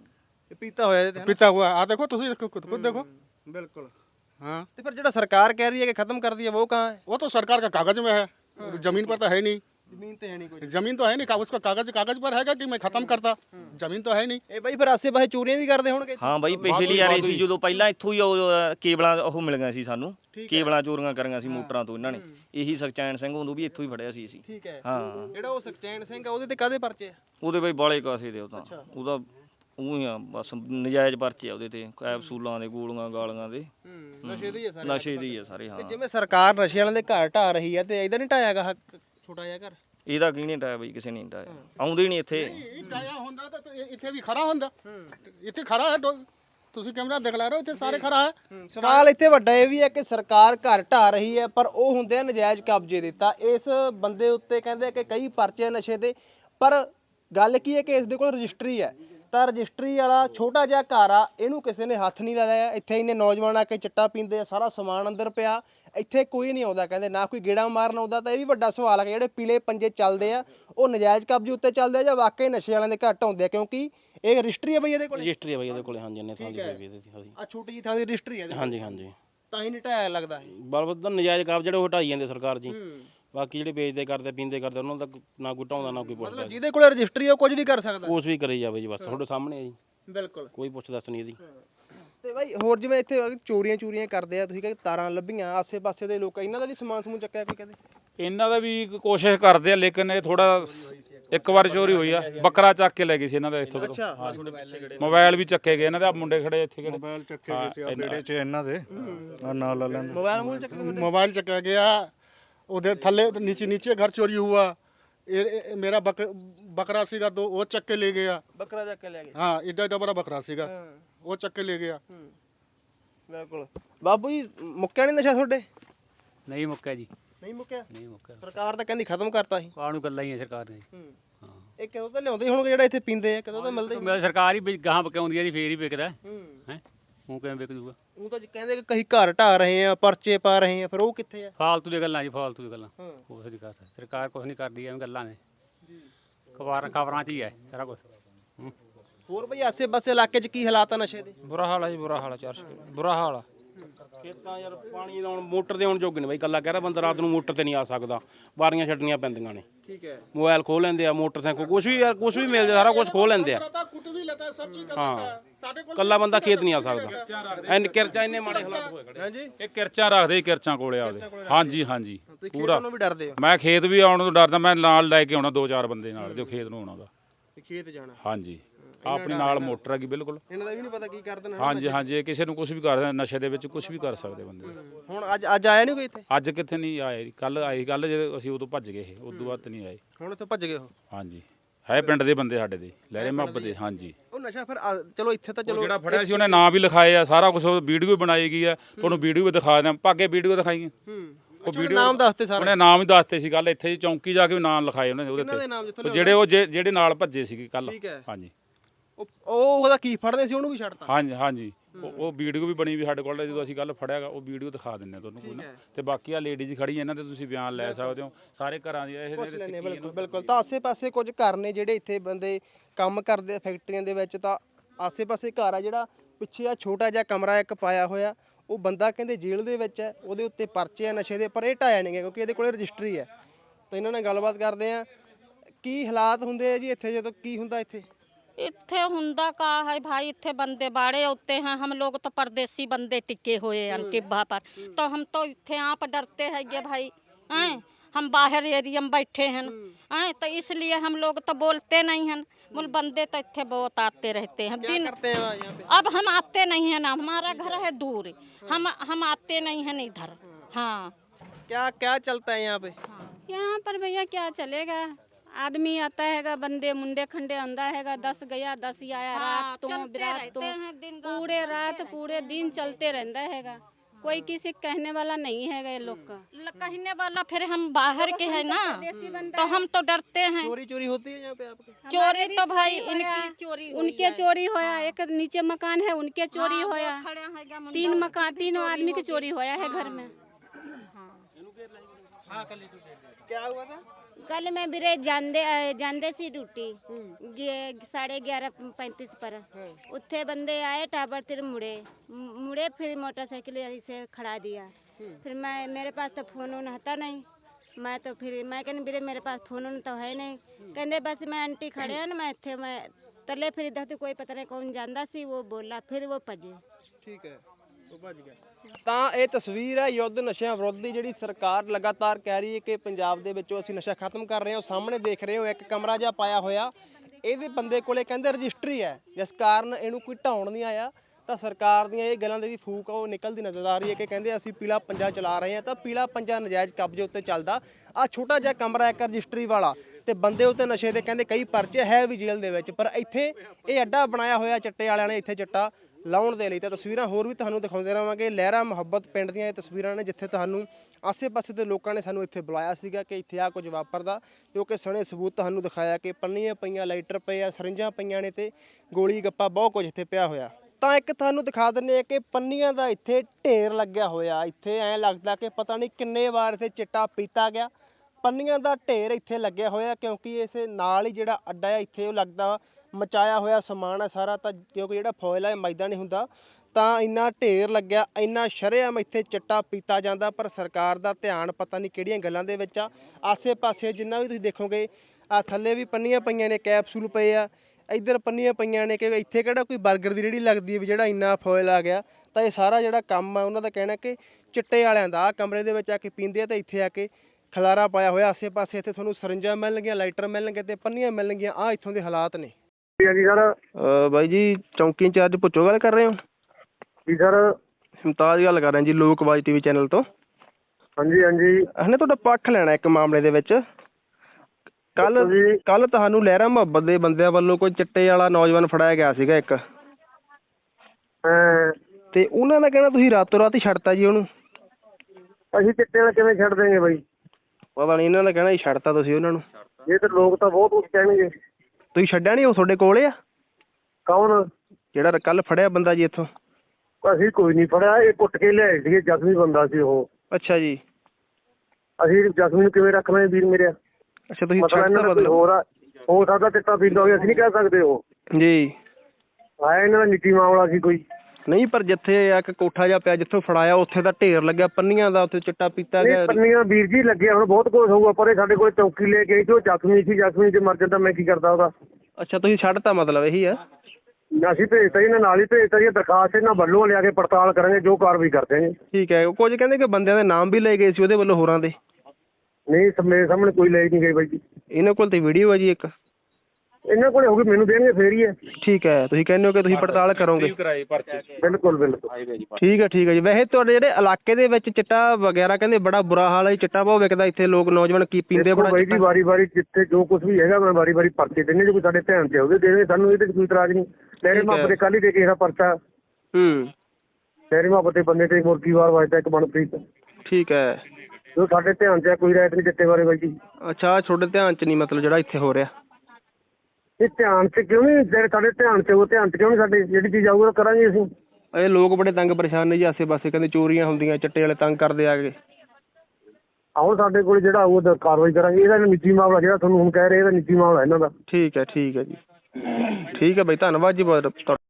Speaker 1: ਇਹ ਪੀਤਾ ਹੋਇਆ ਇਹਦੇ,
Speaker 2: पीता हुआ, आ देखो तुम खुद देखो।
Speaker 1: ਬਿਲਕੁਲ।
Speaker 2: हाँ
Speaker 1: ਤੇ ਫਿਰ ਜਿਹੜਾ ਸਰਕਾਰ ਕਹਿ ਰਹੀ ਹੈ ਕਿ ਖਤਮ ਕਰ ਦਿया, वो कहाँ है?
Speaker 2: वो तो सरकार का कागज में है, जमीन पर तो है नहीं।
Speaker 1: ਜ਼ਮੀਨ ਤੇ ਹੈ ਨਹੀਂ ਕੋਈ।
Speaker 2: जमीन तो है नहीं, उसका कागज पर हैगा कि मैं खत्म करता, जमीन तो है नहीं।
Speaker 1: ਇਹ ਬਾਈ ਫਿਰ ਆਸੇ-ਪਾਸੇ ਚੋਰੀਆਂ ਵੀ ਕਰਦੇ ਹੋਣਗੇ।
Speaker 4: ਹਾਂ ਬਾਈ ਪਿਛਲੀ ਵਾਰ ਸੀ ਜਦੋਂ ਪਹਿਲਾਂ ਇੱਥੋਂ ਹੀ ਉਹ ਕੇਬਲਾਂ ਉਹ ਮਿਲ ਗਈਆਂ ਸੀ ਸਾਨੂੰ, ਕੇਬਲਾਂ ਚੋਰੀਆਂ ਕਰੀਆਂ ਸੀ ਮੋਟਰਾਂ ਤੋਂ ਇਹਨਾਂ ਨੇ। ਇਹੀ ਸੁਖਚੈਨ ਸਿੰਘ ਉਦੋਂ ਵੀ ਇੱਥੋਂ ਹੀ ਫੜਿਆ ਸੀ ਅਸੀਂ।
Speaker 1: ਠੀਕ ਹੈ।
Speaker 4: ਹਾਂ
Speaker 1: ਜਿਹੜਾ ਉਹ ਸੁਖਚੈਨ ਸਿੰਘ ਆ, ਉਹਦੇ ਤੇ ਕਾਹਦੇ ਪਰਚੇ ਆ?
Speaker 4: ਉਹਦੇ ਬਈ ਬਾਲੇ ਕਾਸੇ ਦੇ, ਉਹ ਤਾਂ ਉਹਦਾ ਉਹ ਹੀ ਆ ਬਸ ਨਜਾਇਜ਼ ਪਰਚੇ ਆ ਉਹਦੇ ਤੇ, ਕੈਪਸੂਲਾਂ ਦੇ, ਗੋਲੀਆਂ ਗਾਲੀਆਂ ਦੇ।
Speaker 1: ਨਸ਼ੇ ਦੇ ਹੀ ਆ ਸਾਰੇ।
Speaker 4: ਨਸ਼ੇ ਦੇ ਹੀ ਆ ਸਾਰੇ। ਹਾਂ
Speaker 1: ਜਿਵੇਂ ਸਰਕਾਰ ਨਸ਼ੇ ਵਾਲਿਆਂ ਦੇ ਘਰ ਢਾ ਰਹੀ ਹੈ, ਤੇ ਇਹਦਾ ਨਹੀਂ ਢਾਇਆਗਾ ਛੋਟਾ ਜਿਹਾ ਘਰ?
Speaker 4: ਇਹਦਾ ਕੀ ਨਹੀਂ ਟਾਇਆ ਬਈ, ਕਿਸੇ ਨਹੀਂ ਟਾਇਆ, ਆਉਂਦੇ ਹੀ ਨਹੀਂ ਇੱਥੇ।
Speaker 2: ਟਾਇਆ ਹੁੰਦਾ ਤਾਂ ਇੱਥੇ ਵੀ ਖੜਾ ਹੁੰਦਾ, ਇੱਥੇ ਖੜਾ ਹੈ, ਤੁਸੀਂ ਕੈਮਰਾ ਦੇਖ ਲੈ ਰਹੇ ਹੋ, ਇੱਥੇ ਸਾਰੇ ਖੜਾ ਹੈ।
Speaker 1: ਸਵਾਲ ਇੱਥੇ ਵੱਡਾ ਇਹ ਵੀ ਹੈ ਕਿ ਸਰਕਾਰ ਘਰ ਢਾ ਰਹੀ ਹੈ, ਪਰ ਉਹ ਹੁੰਦੇ ਆ ਨਜਾਇਜ਼ ਕਬਜ਼ੇ ਦੇ। ਤਾਂ ਇਸ ਬੰਦੇ ਉੱਤੇ ਕਹਿੰਦੇ ਕਿ ਕਈ ਪਰਚੇ ਨਸ਼ੇ ਦੇ, ਪਰ ਗੱਲ ਕੀ ਹੈ ਕਿ ਇਸ ਦੇ ਕੋਲ ਰਜਿਸਟਰੀ ਹੈ। ਤਾਂ ਰਜਿਸਟਰੀ ਵਾਲਾ ਛੋਟਾ ਜਿਹਾ ਘਰ ਆ, ਇਹਨੂੰ ਕਿਸੇ ਨੇ ਹੱਥ ਨਹੀਂ ਲਾਇਆ। ਇੱਥੇ ਇੰਨੇ ਨੌਜਵਾਨ ਆ ਕੇ ਚਿੱਟਾ ਪੀਂਦੇ ਆ, ਸਾਰਾ ਸਮਾਨ ਅੰਦਰ ਪਿਆ, ਇੱਥੇ ਕੋਈ ਨਹੀਂ ਆਉਂਦਾ, ਕਹਿੰਦੇ ਨਾ ਕੋਈ ਗੇੜਾ ਮਾਰਨ ਆਉਂਦਾ। ਤਾਂ ਇਹ ਵੀ ਵੱਡਾ ਸਵਾਲ ਹੈ ਕਿ ਜਿਹੜੇ ਪੀਲੇ ਪੰਜੇ ਚੱਲਦੇ ਆ, ਉਹ ਨਜਾਇਜ਼ ਕਬਜ਼ੇ ਉੱਤੇ ਚੱਲਦੇ ਆ ਜਾਂ ਵਾਕਈ ਨਸ਼ੇ ਵਾਲਿਆਂ ਦੇ ਘਰ ਢਾਉਂਦੇ ਆ? ਕਿਉਂਕਿ ਇਹ ਰਜਿਸਟਰੀ ਹੈ ਬਈ ਇਹਦੇ ਕੋਲ।
Speaker 5: ਰਜਿਸਟਰੀ ਆ ਬਾਈ ਇਹਦੇ ਕੋਲੇ। ਹਾਂਜੀ ਇੰਨੇ ਥਾਂ ਦੀ ਹੋਈ ਵੀ ਇਹਦੀ। ਹਾਂਜੀ
Speaker 1: ਆ ਛੋਟੀ ਜਿਹੀ ਥਾਂ ਦੀ ਰਜਿਸਟਰੀ ਹੈ।
Speaker 5: ਹਾਂਜੀ ਹਾਂਜੀ
Speaker 1: ਤਾਂ ਹੀ ਨਹੀਂ ਢਾਇਆ ਲੱਗਦਾ।
Speaker 5: ਬਲਬਤ ਤਾਂ ਨਜਾਇਜ਼ ਕਾਬ ਜਿਹੜੇ ਉਹ ਹਟਾਈ ਜਾਂਦੇ ਸਰਕਾਰ ਜੀ। ਬਾਕੀ ਜਿਹੜੇ ਵੇਚਦੇ ਕਰਦੇ ਪੀਂਦੇ ਕਰਦੇ ਉਹਨਾਂ ਦਾ ਨਾ ਕੋਈ ਢਾਉਂਦਾ ਨਾ ਕੋਈ ਪੁੱਛਦਾ।
Speaker 1: ਜਿਹਦੇ ਕੋਲ ਰਜਿਸਟਰੀ ਉਹ ਕੁਝ ਵੀ ਕਰ ਸਕਦਾ।
Speaker 5: ਕੁਛ ਵੀ ਕਰੀ ਜਾਵੇ ਜੀ, ਬਸ ਤੁਹਾਡੇ ਸਾਹਮਣੇ ਆ ਜੀ,
Speaker 1: ਬਿਲਕੁਲ।
Speaker 5: ਕੋਈ ਪੁੱਛ ਦੱਸ ਨਹੀਂ ਇਹਦੀ।
Speaker 1: ਤੇ ਬਾਈ ਹੋਰ ਜਿਵੇਂ ਇੱਥੇ ਚੋਰੀਆਂ ਕਰਦੇ ਆ, ਤੁਸੀਂ ਕਹਿੰਦੇ ਤਾਰਾਂ ਲੱਭੀਆਂ, ਆਸੇ-ਪਾਸੇ ਦੇ ਲੋਕ, ਇਹਨਾਂ ਦਾ ਵੀ ਸਮਾਨ ਸਮੂਨ ਚੱਕਿਆ ਕੋਈ ਕਹਿੰਦੇ?
Speaker 3: ਇਹਨਾਂ ਦਾ ਵੀ ਕੋਸ਼ਿਸ਼ ਕਰਦੇ ਆ, ਲੇਕਿਨ ਇਹ ਥੋੜਾ ਇੱਕ ਵਾਰ ਚੋਰੀ ਹੋਈ ਆ, ਬੱਕਰਾ ਚੱਕ ਕੇ ਲੈ ਗਏ ਸੀ ਇਹਨਾਂ ਦਾ ਇੱਥੋਂ। ਮੋਬਾਈਲ ਵੀ ਚੱਕੇ ਗਏ ਇਹਨਾਂ ਦੇ, ਆ ਮੁੰਡੇ ਖੜੇ ਇੱਥੇ ਕਿਹੜੇ
Speaker 8: ਮੋਬਾਈਲ ਚੱਕੇ ਗਏ ਸੀ ਆ ਬੇੜੇ 'ਚ ਇਹਨਾਂ ਦੇ, ਆ ਨਾਲ ਵਾਲਿਆਂ ਦੇ
Speaker 1: ਮੋਬਾਈਲ ਚੱਕ ਕੇ?
Speaker 2: मोबाइल चक्का गया उधर थल्ले नीचे घर चोरी हुआ। मेरा बकरा सीगा दो, वो चक्के ले गया।
Speaker 1: ਬੱਕਰਾ ਚੱਕ ਕੇ ਲੈ ਗਏ।
Speaker 2: हाँ इतना एडा बड़ा बकरा सीगा, वो चक्के ले गया।
Speaker 1: ਬਿਲकुल। ਬਾਬੂ ਜੀ ਮੁੱਕਿਆ ਨਹੀਂ ਨਸ਼ਾ ਤੁਹਾਡੇ?
Speaker 9: ਨਹੀਂ ਮੁੱਕਿਆ ਜੀ,
Speaker 1: ਨਹੀਂ ਮੁੱਕਿਆ।
Speaker 9: ਨਹੀਂ ਮੁੱਕਿਆ।
Speaker 1: ਸਰਕਾਰ ਤਾਂ ਕਹਿੰਦੀ ਖਤਮ ਕਰਤਾ ਸੀ।
Speaker 9: ਕਾਹਨੂੰ ਗੱਲਾਂ ਹੀ ਆ ਸਰਕਾਰ ਨੇ। ਹਾਂ
Speaker 1: ਇਹ ਕਦੋਂ ਤਾਂ ਲਿਆਉਂਦੇ ਹੋਣਗੇ ਜਿਹੜਾ ਇੱਥੇ ਪੀਂਦੇ ਆ, ਕਦੋਂ ਤਾਂ ਮਿਲਦੇ?
Speaker 9: ਮੈਂ ਸਰਕਾਰ ਹੀ ਗਾਹਾਂ ਪਕਾਉਂਦੀ ਆ ਜੀ, ਫੇਰ ਹੀ ਵਿਕਦਾ ਹੈ। ਉਹ ਕਿਵੇਂ ਵਿਕ ਜੂਗਾ?
Speaker 1: ਉਹ ਤਾਂ ਕਹਿੰਦੇ ਕਿ ਕਈ ਘਰ ਢਾ ਰਹੇ ਆ, ਪਰਚੇ ਪਾ ਰਹੇ ਆ, ਫਿਰ ਉਹ ਕਿੱਥੇ ਆ?
Speaker 9: ਫਾਲਤੂ ਦੀਆਂ ਗੱਲਾਂ ਜੀ, ਫਾਲਤੂ ਦੀਆਂ ਗੱਲਾਂ। ਕੁਛ ਨਹੀਂ ਕਰਦਾ ਸਰਕਾਰ, ਕੁਛ ਨਹੀਂ ਕਰਦੀ, ਐਵੇਂ ਗੱਲਾਂ ਨੇ। ਖਬਰਾਂ 'ਚ ਹੀ ਹੈ ਸਾਰਾ ਕੁਛ।
Speaker 1: ਹੋਰ ਬਈ ਆਸੇ-ਪਾਸੇ ਇਲਾਕੇ 'ਚ ਕੀ ਹਾਲਾਤ ਆ ਨਸ਼ੇ ਦੇ?
Speaker 7: ਬੁਰਾ ਹਾਲ ਹੈ ਜੀ, ਬੁਰਾ ਹਾਲ ਹੈ, ਬੁਰਾ ਹਾਲ ਆ।
Speaker 5: ਖੇਤਾਂ ਯਾਰ ਪਾਣੀ ਦਾ ਹੁਣ ਮੋਟਰ ਦੇ ਹੁਣ ਜੋਗੇ ਨੇ ਬਾਈ, ਕੱਲਾ ਕਹਿ ਰਿਹਾ ਬੰਦਾ ਰਾਤ ਨੂੰ ਮੋਟਰ ਤੇ ਨਹੀਂ ਆ ਸਕਦਾ, ਬਾਰੀਆਂ ਛੱਡਣੀਆਂ ਪੈਂਦੀਆਂ ਨੇ।
Speaker 1: ਠੀਕ ਹੈ।
Speaker 5: ਮੋਬਾਈਲ ਖੋਹ ਲੈਂਦੇ ਆ, ਮੋਟਰਸਾਈਕਲ, ਕੁਝ ਵੀ ਯਾਰ ਕੁਝ ਵੀ ਮਿਲ ਜਾ, ਸਾਰਾ ਕੁਝ ਖੋਹ ਲੈਂਦੇ ਆ।
Speaker 2: कुट भी लेता है, सब चीज कर
Speaker 5: ਹਾਂ
Speaker 2: लेता है। साढ़े को
Speaker 5: ਕੱਲਾ ਬੰਦਾ ਖੇਤ ਨਹੀਂ ਆ ਸਕਦਾ। ਐਨ ਕਿਰਚਾ ਇੰਨੇ ਮਾੜੇ ਹਾਲਾਤ ਹੋਏ ਖੜੇ।
Speaker 1: ਹਾਂਜੀ।
Speaker 3: ਇਹ ਕਿਰਚਾਂ ਰੱਖਦੇ, ਕਿਰਚਾਂ ਕੋਲੇ ਆਉਦੇ। ਹਾਂਜੀ ਹਾਂਜੀ
Speaker 1: ਪੂਰਾ ਨੂੰ ਵੀ ਡਰਦੇ ਹੋ?
Speaker 3: ਮੈਂ ਖੇਤ ਵੀ ਆਉਣ ਤੋਂ ਡਰਦਾ, ਮੈਂ ਨਾਲ ਲੈ ਕੇ ਆਉਣਾ 2-4 ਬੰਦੇ ਨਾਲ, ਜੋ ਖੇਤ ਨੂੰ ਆਉਣਾ ਦਾ।
Speaker 1: ਖੇਤ ਜਾਣਾ?
Speaker 3: ਹਾਂਜੀ ਆਪਣੀ ਨਾਲ ਮੋਟਰ ਹੈਗੀ ਬਿਲਕੁਲ।
Speaker 1: ਇਹਨਾਂ ਦਾ ਵੀ ਨਹੀਂ ਪਤਾ ਕੀ ਕਰਦੇ ਨੇ।
Speaker 3: ਹਾਂਜੀ ਹਾਂਜੀ, ਇਹ ਕਿਸੇ ਨੂੰ ਕੁਝ ਵੀ ਕਰਦੇ, ਨਸ਼ੇ ਦੇ ਵਿੱਚ ਕੁਝ ਵੀ ਕਰ ਸਕਦੇ ਬੰਦੇ।
Speaker 1: ਹੁਣ ਅੱਜ ਆਇਆ ਨਹੀਂ ਕੋਈ ਇੱਥੇ?
Speaker 3: ਅੱਜ ਕਿੱਥੇ ਨਹੀਂ ਆਏ, ਕੱਲ ਆਏ, ਕੱਲ ਜਦੋਂ ਅਸੀਂ ਉਦੋਂ ਭੱਜ ਗਏ ਇਹ, ਉਦੋਂ ਬਾਅਦ ਨਹੀਂ ਆਏ।
Speaker 1: ਹੁਣ ਇੱਥੋਂ ਭੱਜ ਗਏ ਉਹ?
Speaker 3: ਹਾਂਜੀ ਹੈ ਪਿੰਡ ਦੇ ਬੰਦੇ ਸਾਡੇ ਦੇ, ਲਹਿਰੇ ਮੱਬ ਦੇ। ਹਾਂਜੀ
Speaker 1: ਉਹ ਨਸ਼ਾ ਫਿਰ ਚਲੋ ਇੱਥੇ ਤਾਂ ਚਲੋ
Speaker 3: ਜਿਹੜਾ ਫੜਿਆ ਸੀ ਉਹਨੇ ਨਾਂ ਵੀ ਲਿਖਾਏ ਆ, ਸਾਰਾ ਕੁਝ ਵੀਡੀਓ ਵੀ ਬਣਾਈ ਗਈ ਆ, ਤੁਹਾਨੂੰ ਵੀਡੀਓ ਵੀ ਦਿਖਾ ਦਿਆਂ, ਭਾਗੇ ਵੀਡੀਓ ਦਿਖਾਈ। ਉਹ ਵੀਡੀਓ
Speaker 1: ਨਾਮ ਦੱਸਤੇ ਸਾਰੇ?
Speaker 3: ਉਹਨੇ ਨਾਮ ਹੀ ਦੱਸਤੇ ਸੀ, ਗੱਲ ਇੱਥੇ ਚੌਂਕੀ ਜਾ ਕੇ ਵੀ ਨਾਮ ਲਿਖਾਏ ਉਹਨੇ ਉਹਦੇ
Speaker 1: ਕਿਹਨਾਂ ਦੇ ਨਾਮ ਜਿੱਥੋਂ
Speaker 3: ਤੇ, ਜਿਹੜੇ ਨਾਲ ਭੱਜੇ ਸੀਗੇ ਕੱਲ।
Speaker 1: ਠੀਕ ਹੈ।
Speaker 3: ਹਾਂਜੀ
Speaker 1: ਉਹਦਾ ਕੀ ਫੜਦੇ ਸੀ, ਉਹਨੂੰ ਵੀ ਛੱਡਤਾ?
Speaker 3: ਹਾਂਜੀ ਹਾਂਜੀ, ਉਹ ਵੀਡੀਓ ਵੀ ਬਣੀ ਵੀ ਸਾਡੇ ਕੋਲ, ਜਦੋਂ ਅਸੀਂ ਕੱਲ ਫੜਿਆਗਾ ਉਹ ਵੀਡੀਓ ਦਿਖਾ ਦਿੰਦੇ ਤੁਹਾਨੂੰ ਕੋਈ ਨਾ। ਤੇ ਬਾਕੀ ਆ ਲੇਡੀਜ਼ ਖੜੀ ਇਹਨਾਂ ਦੇ, ਤੁਸੀਂ ਬਿਆਨ ਲੈ ਸਕਦੇ ਹੋ ਸਾਰੇ ਘਰਾਂ ਦੀ। ਇਹ
Speaker 1: ਬਿਲਕੁਲ ਬਿਲਕੁਲ। ਤਾਂ ਆਸੇ-ਪਾਸੇ ਕੁਝ ਘਰ ਨੇ ਜਿਹੜੇ ਇੱਥੇ ਬੰਦੇ ਕੰਮ ਕਰਦੇ ਫੈਕਟਰੀਆਂ ਦੇ ਵਿੱਚ, ਤਾਂ ਆਸੇ-ਪਾਸੇ ਘਰ ਆ ਜਿਹੜਾ ਪਿੱਛੇ ਆ ਛੋਟਾ ਜਿਹਾ ਕਮਰਾ ਇੱਕ ਪਾਇਆ ਹੋਇਆ, ਉਹ ਬੰਦਾ ਕਹਿੰਦੇ ਜੇਲ੍ਹ ਦੇ ਵਿੱਚ ਹੈ, ਉਹਦੇ ਉੱਤੇ ਪਰਚੇ ਆ ਨਸ਼ੇ ਦੇ, ਪਰ ਇਹ ਢਾਇਆ ਨਹੀਂ ਗਿਆ ਕਿਉਂਕਿ ਇਹਦੇ ਕੋਲੇ ਰਜਿਸਟਰੀ ਹੈ। ਤਾਂ ਇਹਨਾਂ ਨਾਲ ਗੱਲਬਾਤ ਕਰਦੇ ਆ, ਕੀ ਹਾਲਾਤ ਹੁੰਦੇ ਆ ਜੀ ਇੱਥੇ, ਜਦੋਂ ਕੀ ਹੁੰਦਾ ਇੱਥੇ?
Speaker 10: ਇੱਥੇ ਹੁੰਦਾ ਕਾ ਹੈ ਭਾਈ, ਇੱਥੇ ਬੰਦੇ ਬਾੜੇ होते हैं, हम लोग तो परदेसी बंदे टिके हुए हैं टिब्बा पर, तो हम तो इतने आप डरते हैं ये भाई हैं। हम बाहर एरिया में बैठे हैं तो इसलिए हम लोग तो बोलते नहीं हैं। बोल बंदे तो इतने बहुत आते रहते हैं दिन।
Speaker 1: करते हैं यहाँ पे?
Speaker 10: अब हम आते नहीं हैं ना, हमारा घर है दूर, हम आते नहीं हैं इधर। हाँ,
Speaker 1: क्या क्या चलता है यहाँ पे?
Speaker 6: यहाँ पर भैया क्या चलेगा, आदमी आता हैगा, बंदे मुंडे खंडे अंदा हैगा, 10 गया 10 ही आया, रात तो बिरात तो पूरे रात पूरे दिन चलते रहता हैगा। कोई किसी कहने वाला नहीं है ये लोग का।
Speaker 10: कहने वाला फिर हम बाहर के हैं ना, तो हम तो डरते हैं।
Speaker 1: चोरी चोरी होती है यहाँ पे आपके?
Speaker 10: चोरी तो भाई इनकी चोरी
Speaker 6: उनके चोरी होया, एक नीचे मकान है उनके चोरी होया, 3 मकान 3 आदमी की चोरी होया है घर में।
Speaker 1: क्या हुआ था?
Speaker 11: कल मैं बिरे ਜਾਂਦੇ ਸੀ ਡਿਊਟੀ 11:35 पर ਉੱਥੇ ਬੰਦੇ आए टाबर तिर मुड़े फिर मोटरसाइकिल से खड़ा दिया। फिर मैं मेरे पास तो फोन वोन हता नहीं, मैं तो फिर मैं कहने बिरे मेरे पास फोन वोन तो है नहीं, कहते बस मैं आंटी खड़े हैं ना, मैं इतने मैं तले फिर इधर तो कोई पता नहीं कौन जानता सी, वो बोला फिर वो भजे।
Speaker 1: ਠੀਕ ਹੈ, ਉਹ ਭੱਜ ਗਿਆ। ਤਾਂ ਇਹ ਤਸਵੀਰ ਹੈ ਯੁੱਧ ਨਸ਼ਿਆਂ ਵਿਰੁੱਧ ਦੀ, ਜਿਹੜੀ ਸਰਕਾਰ ਲਗਾਤਾਰ ਕਹਿ ਰਹੀ ਹੈ ਕਿ ਪੰਜਾਬ ਦੇ ਵਿੱਚੋਂ ਅਸੀਂ ਨਸ਼ਾ ਖਤਮ ਕਰ ਰਹੇ ਹਾਂ। ਸਾਹਮਣੇ ਦੇਖ ਰਹੇ ਹੋ ਇੱਕ ਕਮਰਾ ਜਿਹਾ ਪਾਇਆ ਹੋਇਆ, ਇਹਦੇ ਬੰਦੇ ਕੋਲੇ ਕਹਿੰਦੇ ਰਜਿਸਟਰੀ ਹੈ, ਜਿਸ ਕਾਰਨ ਇਹਨੂੰ ਕੋਈ ਢਾਉਣ ਨਹੀਂ ਆਇਆ। ਤਾਂ ਸਰਕਾਰ ਦੀਆਂ ਇਹ ਗੱਲਾਂ ਦੇ ਵੀ ਫੂਕ ਉਹ ਨਿਕਲਦੀ ਨਜ਼ਰ ਆ ਰਹੀ ਹੈ ਕਿ ਕਹਿੰਦੇ ਅਸੀਂ ਪੀਲਾ ਪੰਜਾ ਚਲਾ ਰਹੇ ਹਾਂ। ਤਾਂ ਪੀਲਾ ਪੰਜਾ ਨਜਾਇਜ਼ ਕਬਜ਼ੇ ਉੱਤੇ ਚੱਲਦਾ। ਆ ਛੋਟਾ ਜਿਹਾ ਕਮਰਾ ਇੱਕ ਰਜਿਸਟਰੀ ਵਾਲਾ, ਤੇ ਬੰਦੇ ਉੱਤੇ ਨਸ਼ੇ ਦੇ ਕਹਿੰਦੇ ਕਈ ਪਰਚੇ ਹੈ ਵੀ ਜੇਲ੍ਹ ਦੇ ਵਿੱਚ, ਪਰ ਇੱਥੇ ਇਹ ਅੱਡਾ ਬਣਾਇਆ ਹੋਇਆ ਚਿੱਟੇ ਵਾਲਿਆਂ ਨੇ, ਇੱਥੇ ਚਿੱਟਾ ਲਾਉਣ ਦੇ ਲਈ। ਤਾਂ ਤਸਵੀਰਾਂ ਹੋਰ ਵੀ ਤੁਹਾਨੂੰ ਦਿਖਾਉਂਦੇ ਰਹਾਂਗੇ। ਲਹਿਰਾ ਮੁਹੱਬਤ ਪਿੰਡ ਦੀਆਂ ਇਹ ਤਸਵੀਰਾਂ ਨੇ, ਜਿੱਥੇ ਤੁਹਾਨੂੰ ਆਸੇ-ਪਾਸੇ ਦੇ ਲੋਕਾਂ ਨੇ ਸਾਨੂੰ ਇੱਥੇ ਬੁਲਾਇਆ ਸੀਗਾ ਕਿ ਇੱਥੇ ਆ ਕੁਝ ਵਾਪਰਦਾ, ਜੋ ਕਿ ਸਣੇ ਸਬੂਤ ਤੁਹਾਨੂੰ ਦਿਖਾਇਆ ਕਿ ਪੰਨੀਆਂ ਪਈਆਂ, ਲਾਈਟਰ ਪਏ ਆ, ਸਰਿੰਜਾਂ ਪਈਆਂ ਨੇ ਤੇ ਗੋਲੀ ਗੱਪਾ ਬਹੁਤ ਕੁਝ ਇੱਥੇ ਪਿਆ ਹੋਇਆ। ਤਾਂ ਇੱਕ ਤੁਹਾਨੂੰ ਦਿਖਾ ਦਿੰਦੇ ਆ ਕਿ ਪੰਨੀਆਂ ਦਾ ਇੱਥੇ ਢੇਰ ਲੱਗਿਆ ਹੋਇਆ। ਇੱਥੇ ਐਂ ਲੱਗਦਾ ਕਿ ਪਤਾ ਨਹੀਂ ਕਿੰਨੇ ਵਾਰ ਇੱਥੇ ਚਿੱਟਾ ਪੀਤਾ ਗਿਆ। ਪੰਨੀਆਂ ਦਾ ਢੇਰ ਇੱਥੇ ਲੱਗਿਆ ਹੋਇਆ ਕਿਉਂਕਿ ਇਸ ਨਾਲ ਹੀ ਜਿਹੜਾ ਅੱਡਾ ਹੈ ਇੱਥੇ ਉਹ ਲੱਗਦਾ ਮਚਾਇਆ ਹੋਇਆ ਸਮਾਨ ਹੈ ਸਾਰਾ। ਤਾਂ ਕਿਉਂਕਿ ਜਿਹੜਾ ਫੋਇਲ ਹੈ ਮੈਦਾ ਨਹੀਂ ਹੁੰਦਾ, ਤਾਂ ਇੰਨਾ ਢੇਰ ਲੱਗਿਆ, ਇੰਨਾ ਸ਼ਰੇਆਮ ਇੱਥੇ ਚਿੱਟਾ ਪੀਤਾ ਜਾਂਦਾ। ਪਰ ਸਰਕਾਰ ਦਾ ਧਿਆਨ ਪਤਾ ਨਹੀਂ ਕਿਹੜੀਆਂ ਗੱਲਾਂ ਦੇ ਵਿੱਚ ਆ। ਆਸੇ-ਪਾਸੇ ਜਿੰਨਾ ਵੀ ਤੁਸੀਂ ਦੇਖੋਗੇ, ਆ ਥੱਲੇ ਵੀ ਪੰਨੀਆਂ ਪਈਆਂ ਨੇ, ਕੈਪਸੂਲ ਪਏ ਆ, ਇੱਧਰ ਪੰਨੀਆਂ ਪਈਆਂ ਨੇ, ਕਿ ਇੱਥੇ ਕਿਹੜਾ ਕੋਈ 버ਗਰ ਦੀ ਰੇਹੜੀ ਲੱਗਦੀ ਹੈ ਵੀ ਜਿਹੜਾ ਇੰਨਾ ਫੋਇਲ ਆ ਗਿਆ। ਤਾਂ ਇਹ ਸਾਰਾ ਜਿਹੜਾ ਕੰਮ ਆ ਉਹਨਾਂ ਦਾ ਕਹਿਣਾ ਕਿ ਚਿੱਟੇ ਵਾਲਿਆਂ ਦਾ, ਕਮਰੇ ਦੇ ਵਿੱਚ ਆ ਕੇ ਪੀਂਦੇ ਆ ਤੇ ਇੱਥੇ ਆ ਕੇ ਖਲਾਰਾ ਪਾਇਆ ਹੋਇਆ। ਆਸੇ-ਪਾਸੇ ਇੱਥੇ ਤੁਹਾਨੂੰ ਸਰਿੰਜਾਂ ਮਿਲਣਗੀਆਂ, ਲਾਈਟਰ ਮਿਲਣਗੇ ਤੇ ਪੰਨੀਆਂ ਮਿਲਣਗੀਆਂ। ਆ ਇੱਥੋਂ ਦੇ ਹਾਲਾਤ ਨੇ।
Speaker 12: ਜੀ ਸਰ, ਬਾਈ ਜੀ ਚੌਂਕੀ ਇੰਚਾਰਜ ਭੁੱਚੋ ਗੱਲ ਕਰ ਰਹੇ ਹੋ? ਜੀ ਸਰ, ਮੁਮਤਾਜ਼ ਗੱਲ ਕਰ ਰਹੇ ਜੀ, ਲੋਕਵਾਜ ਟੀਵੀ ਚੈਨਲ ਤੋਂ। ਹਾਂਜੀ ਹਾਂਜੀ, ਅਸੀਂ ਤੁਹਾਡਾ ਪੱਖ ਲੈਣਾ ਇੱਕ ਮਾਮਲੇ ਦੇ ਵਿੱਚ। ਕੱਲ ਤੁਹਾਨੂੰ ਲਹਿਰਾ ਮੁਹੱਬਤ ਦੇ ਬੰਦਿਆਂ ਵੱਲੋਂ ਕੋਈ ਚਿੱਟੇ ਵਾਲਾ ਨੌਜਵਾਨ ਫੜਾਇਆ ਗਿਆ ਸੀਗਾ ਇੱਕ, ਤੇ ਉਹਨਾਂ ਦਾ ਕਹਿਣਾ ਤੁਸੀਂ ਰਾਤੋਂ ਰਾਤ ਹੀ ਛੱਡਤਾ ਜੀ ਉਹਨੂੰ। ਅਸੀਂ ਚਿੱਟੇ ਵਾਲਾ ਕਿਵੇਂ ਛੱਡ ਦੇਂਗੇ ਬਾਈ? ਪਤਾ ਨਹੀਂ, ਇਹਨਾਂ ਦਾ ਕਹਿਣਾ ਹੀ ਛੱਡਤਾ ਤੁਸੀਂ ਉਹਨਾਂ ਨੂੰ। ਇਹ ਤਾਂ ਲੋਕ ਤਾਂ ਬਹੁਤ ਕੁਝ ਕਹਿਣਗੇ। ਤੁਸੀਂ ਛੱਡਿਆ ਨਹੀਂ? ਉਹ ਤੁਹਾਡੇ ਕੋਲ ਆ? ਕੌਣ? ਜਿਹੜਾ ਕੱਲ ਫੜਿਆ ਬੰਦਾ ਜੀ ਇੱਥੋਂ? ਅਸੀਂ ਕੋਈ ਨਹੀਂ ਫੜਿਆ, ਇਹ ਕੁੱਟ ਕੇ ਲਿਆਏ ਸੀਗੇ, ਜ਼ਖਮੀ ਬੰਦਾ ਸੀ ਉਹ। ਅੱਛਾ ਜੀ, ਅਸੀਂ ਜ਼ਖਮੀ ਨੂੰ ਕਿਵੇਂ ਰੱਖ ਲਏ ਵੀਰ ਮੇਰੇ? ਅੱਛਾ, ਤੁਸੀਂ ਹੋਰ ਆ, ਹੋ ਸਕਦਾ ਚਿੱਟਾ ਪੀਂਦਾ ਹੋਵੇ, ਅਸੀਂ ਨਹੀਂ ਕਹਿ ਸਕਦੇ ਉਹ ਜੀ। ਆਇਆ ਇਹਨਾਂ ਦਾ ਨਿੱਜੀ ਮਾਮਲਾ ਸੀ ਕੋਈ ਨਹੀਂ, ਪਰ ਜਿੱਥੇ ਇੱਕ ਕੋਠਾ ਜਿਹਾ ਪਿਆ ਜਿੱਥੋਂ ਫੜਾਇਆ ਉੱਥੇ ਤਾਂ ਢੇਰ ਲੱਗਿਆ ਪੰਨੀਆਂ ਦਾ, ਉੱਥੇ ਚਿੱਟਾ ਪੀਤਾ ਗਿਆ। ਪੰਨੀਆਂ ਵੀਰ ਜੀ ਲੱਗਿਆ, ਹੁਣ ਬਹੁਤ ਕੁਝ ਹੋਊਗਾ, ਪਰ ਇਹ ਸਾਡੇ ਕੋਲ ਚੌਕੀ ਲੈ ਕੇ ਜੋ ਜ਼ਖਮੀ ਸੀ, ਜ਼ਖਮੀ ਜੇ ਮਰ ਜਾਂਦਾ ਮੈਂ ਕੀ ਕਰਦਾ ਉਹਦਾ। ਅੱਛਾ, ਤੁਸੀਂ ਛੱਡਤਾ ਮਤਲਬ ਇਹੀ ਆ? ਅਸੀਂ ਭੇਜਤਾ ਜੀ, ਇਹਨਾਂ ਨਾਲ ਹੀ ਭੇਜਤਾ ਜੀ, ਦਰਖਾਸਤ ਇਹਨਾਂ ਵੱਲੋਂ ਲਿਆ ਕੇ ਪੜਤਾਲ ਕਰਾਂਗੇ, ਜੋ ਕਾਰਵਾਈ ਕਰਦੇ ਹਾਂ। ਠੀਕ ਹੈ, ਕੁਝ ਕਹਿੰਦੇ ਕਿ ਬੰਦਿਆਂ ਦੇ ਨਾਮ ਵੀ ਲਏ ਗਏ ਸੀ ਉਹਦੇ ਵੱਲੋਂ, ਹੋਰਾਂ ਦੇ। ਨਹੀਂ, ਮੇਰੇ ਸਾਹਮਣੇ ਕੋਈ ਲੈ ਨਹੀਂ ਗਈ ਬਾਈ ਜੀ। ਇਹਨਾਂ ਕੋਲ ਤੇ ਵੀਡੀਓ ਹੈ ਜੀ ਇੱਕ। ਇਹਨਾਂ ਕੋਲੇ ਹੋਊਗੀ, ਮੈਨੂੰ ਦੇਣਗੇ ਫੇਰ ਹੀ ਹੈ। ਠੀਕ ਹੈ, ਤੁਸੀਂ ਕਹਿੰਦੇ ਹੋ ਕਿ ਤੁਸੀਂ ਪੜਤਾਲ ਕਰੋਗੇ? ਬਿਲਕੁਲ ਬਿਲਕੁਲ, ਠੀਕ ਹੈ ਠੀਕ ਹੈ ਜੀ। ਵੈਸੇ ਤੁਹਾਡੇ ਜਿਹੜੇ ਇਲਾਕੇ ਦੇ ਵਿੱਚ ਚਿੱਟਾ ਵਗੈਰਾ ਕਹਿੰਦੇ ਬੜਾ ਬੁਰਾ ਹਾਲ ਹੈ, ਚਿੱਟਾ ਬਹੁਤ ਵਿਕਦਾ ਇੱਥੇ, ਲੋਕ ਨੌਜਵਾਨ ਕੀ ਪੀਂਦੇ ਬੜਾ ਜੀ। ਵਾਰੀ ਵਾਰੀ ਜਿੱਥੇ ਜੋ ਕੁਝ ਵੀ ਹੈਗਾ ਮੈਂ ਵਾਰੀ ਵਾਰੀ ਪਰਚੇ ਦਿੰਦੇ, ਜੇ ਕੋਈ ਸਾਡੇ ਧਿਆਨ ਚ ਆਉਗੇ ਦੇਵੇ, ਸਾਨੂੰ ਇਹਦੇ ਚ ਕੋਈ ਇਤਰਾਜ਼ ਨਹੀਂ। ਮੇਰੇ ਮਾਪੇ ਦੇ ਕੱਲ ਹੀ ਦੇ ਕੇ ਇਹਦਾ ਪਰਚਾ। ਮੇਰੇ ਮਾਪੇ ਦੇ ਬੰਦੇ ਤੇ ਮੁਰਗੀ ਵਾਰ ਵੱਜਦਾ ਇੱਕ ਮਨਪ੍ਰੀਤ। ਠੀਕ ਹੈ, ਜੋ ਸਾਡੇ ਧਿਆਨ ਚ ਕੋਈ ਰਾਇਤ ਨਹੀਂ ਚਿੱਟੇ ਬਾਰੇ ਬਾਈ ਜੀ। ਅੱਛਾ, ਤੁਹਾਡੇ ਧਿਆਨ ਚ ਨਹੀਂ ਮਤਲਬ ਜਿਹੜਾ ਇੱਥੇ ਹੋ ਰਿਹਾ? ਇਹ ਧਿਆਨ ਚ ਕਿਉਂ ਨਹੀਂ? ਜਿਹੜੇ ਸਾਡੇ ਧਿਆਨ ਚ, ਉਹ ਧਿਆਨ ਚ ਕਿਉਂ ਨਹੀਂ ਸਾਡੇ? ਜਿਹੜੀ ਚੀਜ਼ ਆਊਗਾ ਕਰਾਂਗੇ ਅਸੀਂ। ਇਹ ਲੋਕ ਬੜੇ ਤੰਗ ਪਰੇਸ਼ਾਨ ਨੇ ਜੀ ਆਸੇ ਪਾਸੇ, ਕਹਿੰਦੇ ਚੋਰੀਆਂ ਹੁੰਦੀਆਂ, ਚਿੱਟੇ ਵਾਲੇ ਤੰਗ ਕਰਦੇ ਆ ਕੇ। ਆਓ ਸਾਡੇ ਕੋਲ ਜਿਹੜਾ ਆਊਗਾ ਕਾਰਵਾਈ ਕਰਾਂਗੇ। ਇਹਦਾ ਨਿੱਜੀ ਮਾਮਲਾ ਜਿਹੜਾ ਤੁਹਾਨੂੰ ਹੁਣ ਕਹਿ ਰਹੇ, ਇਹਦਾ ਨਿੱਜੀ ਮਾਮਲਾ ਇਹਨਾਂ ਦਾ। ਠੀਕ ਹੈ ਜੀ, ਠੀਕ ਹੈ ਬਾਈ, ਧੰਨਵਾਦ ਜੀ ਬਹੁਤ।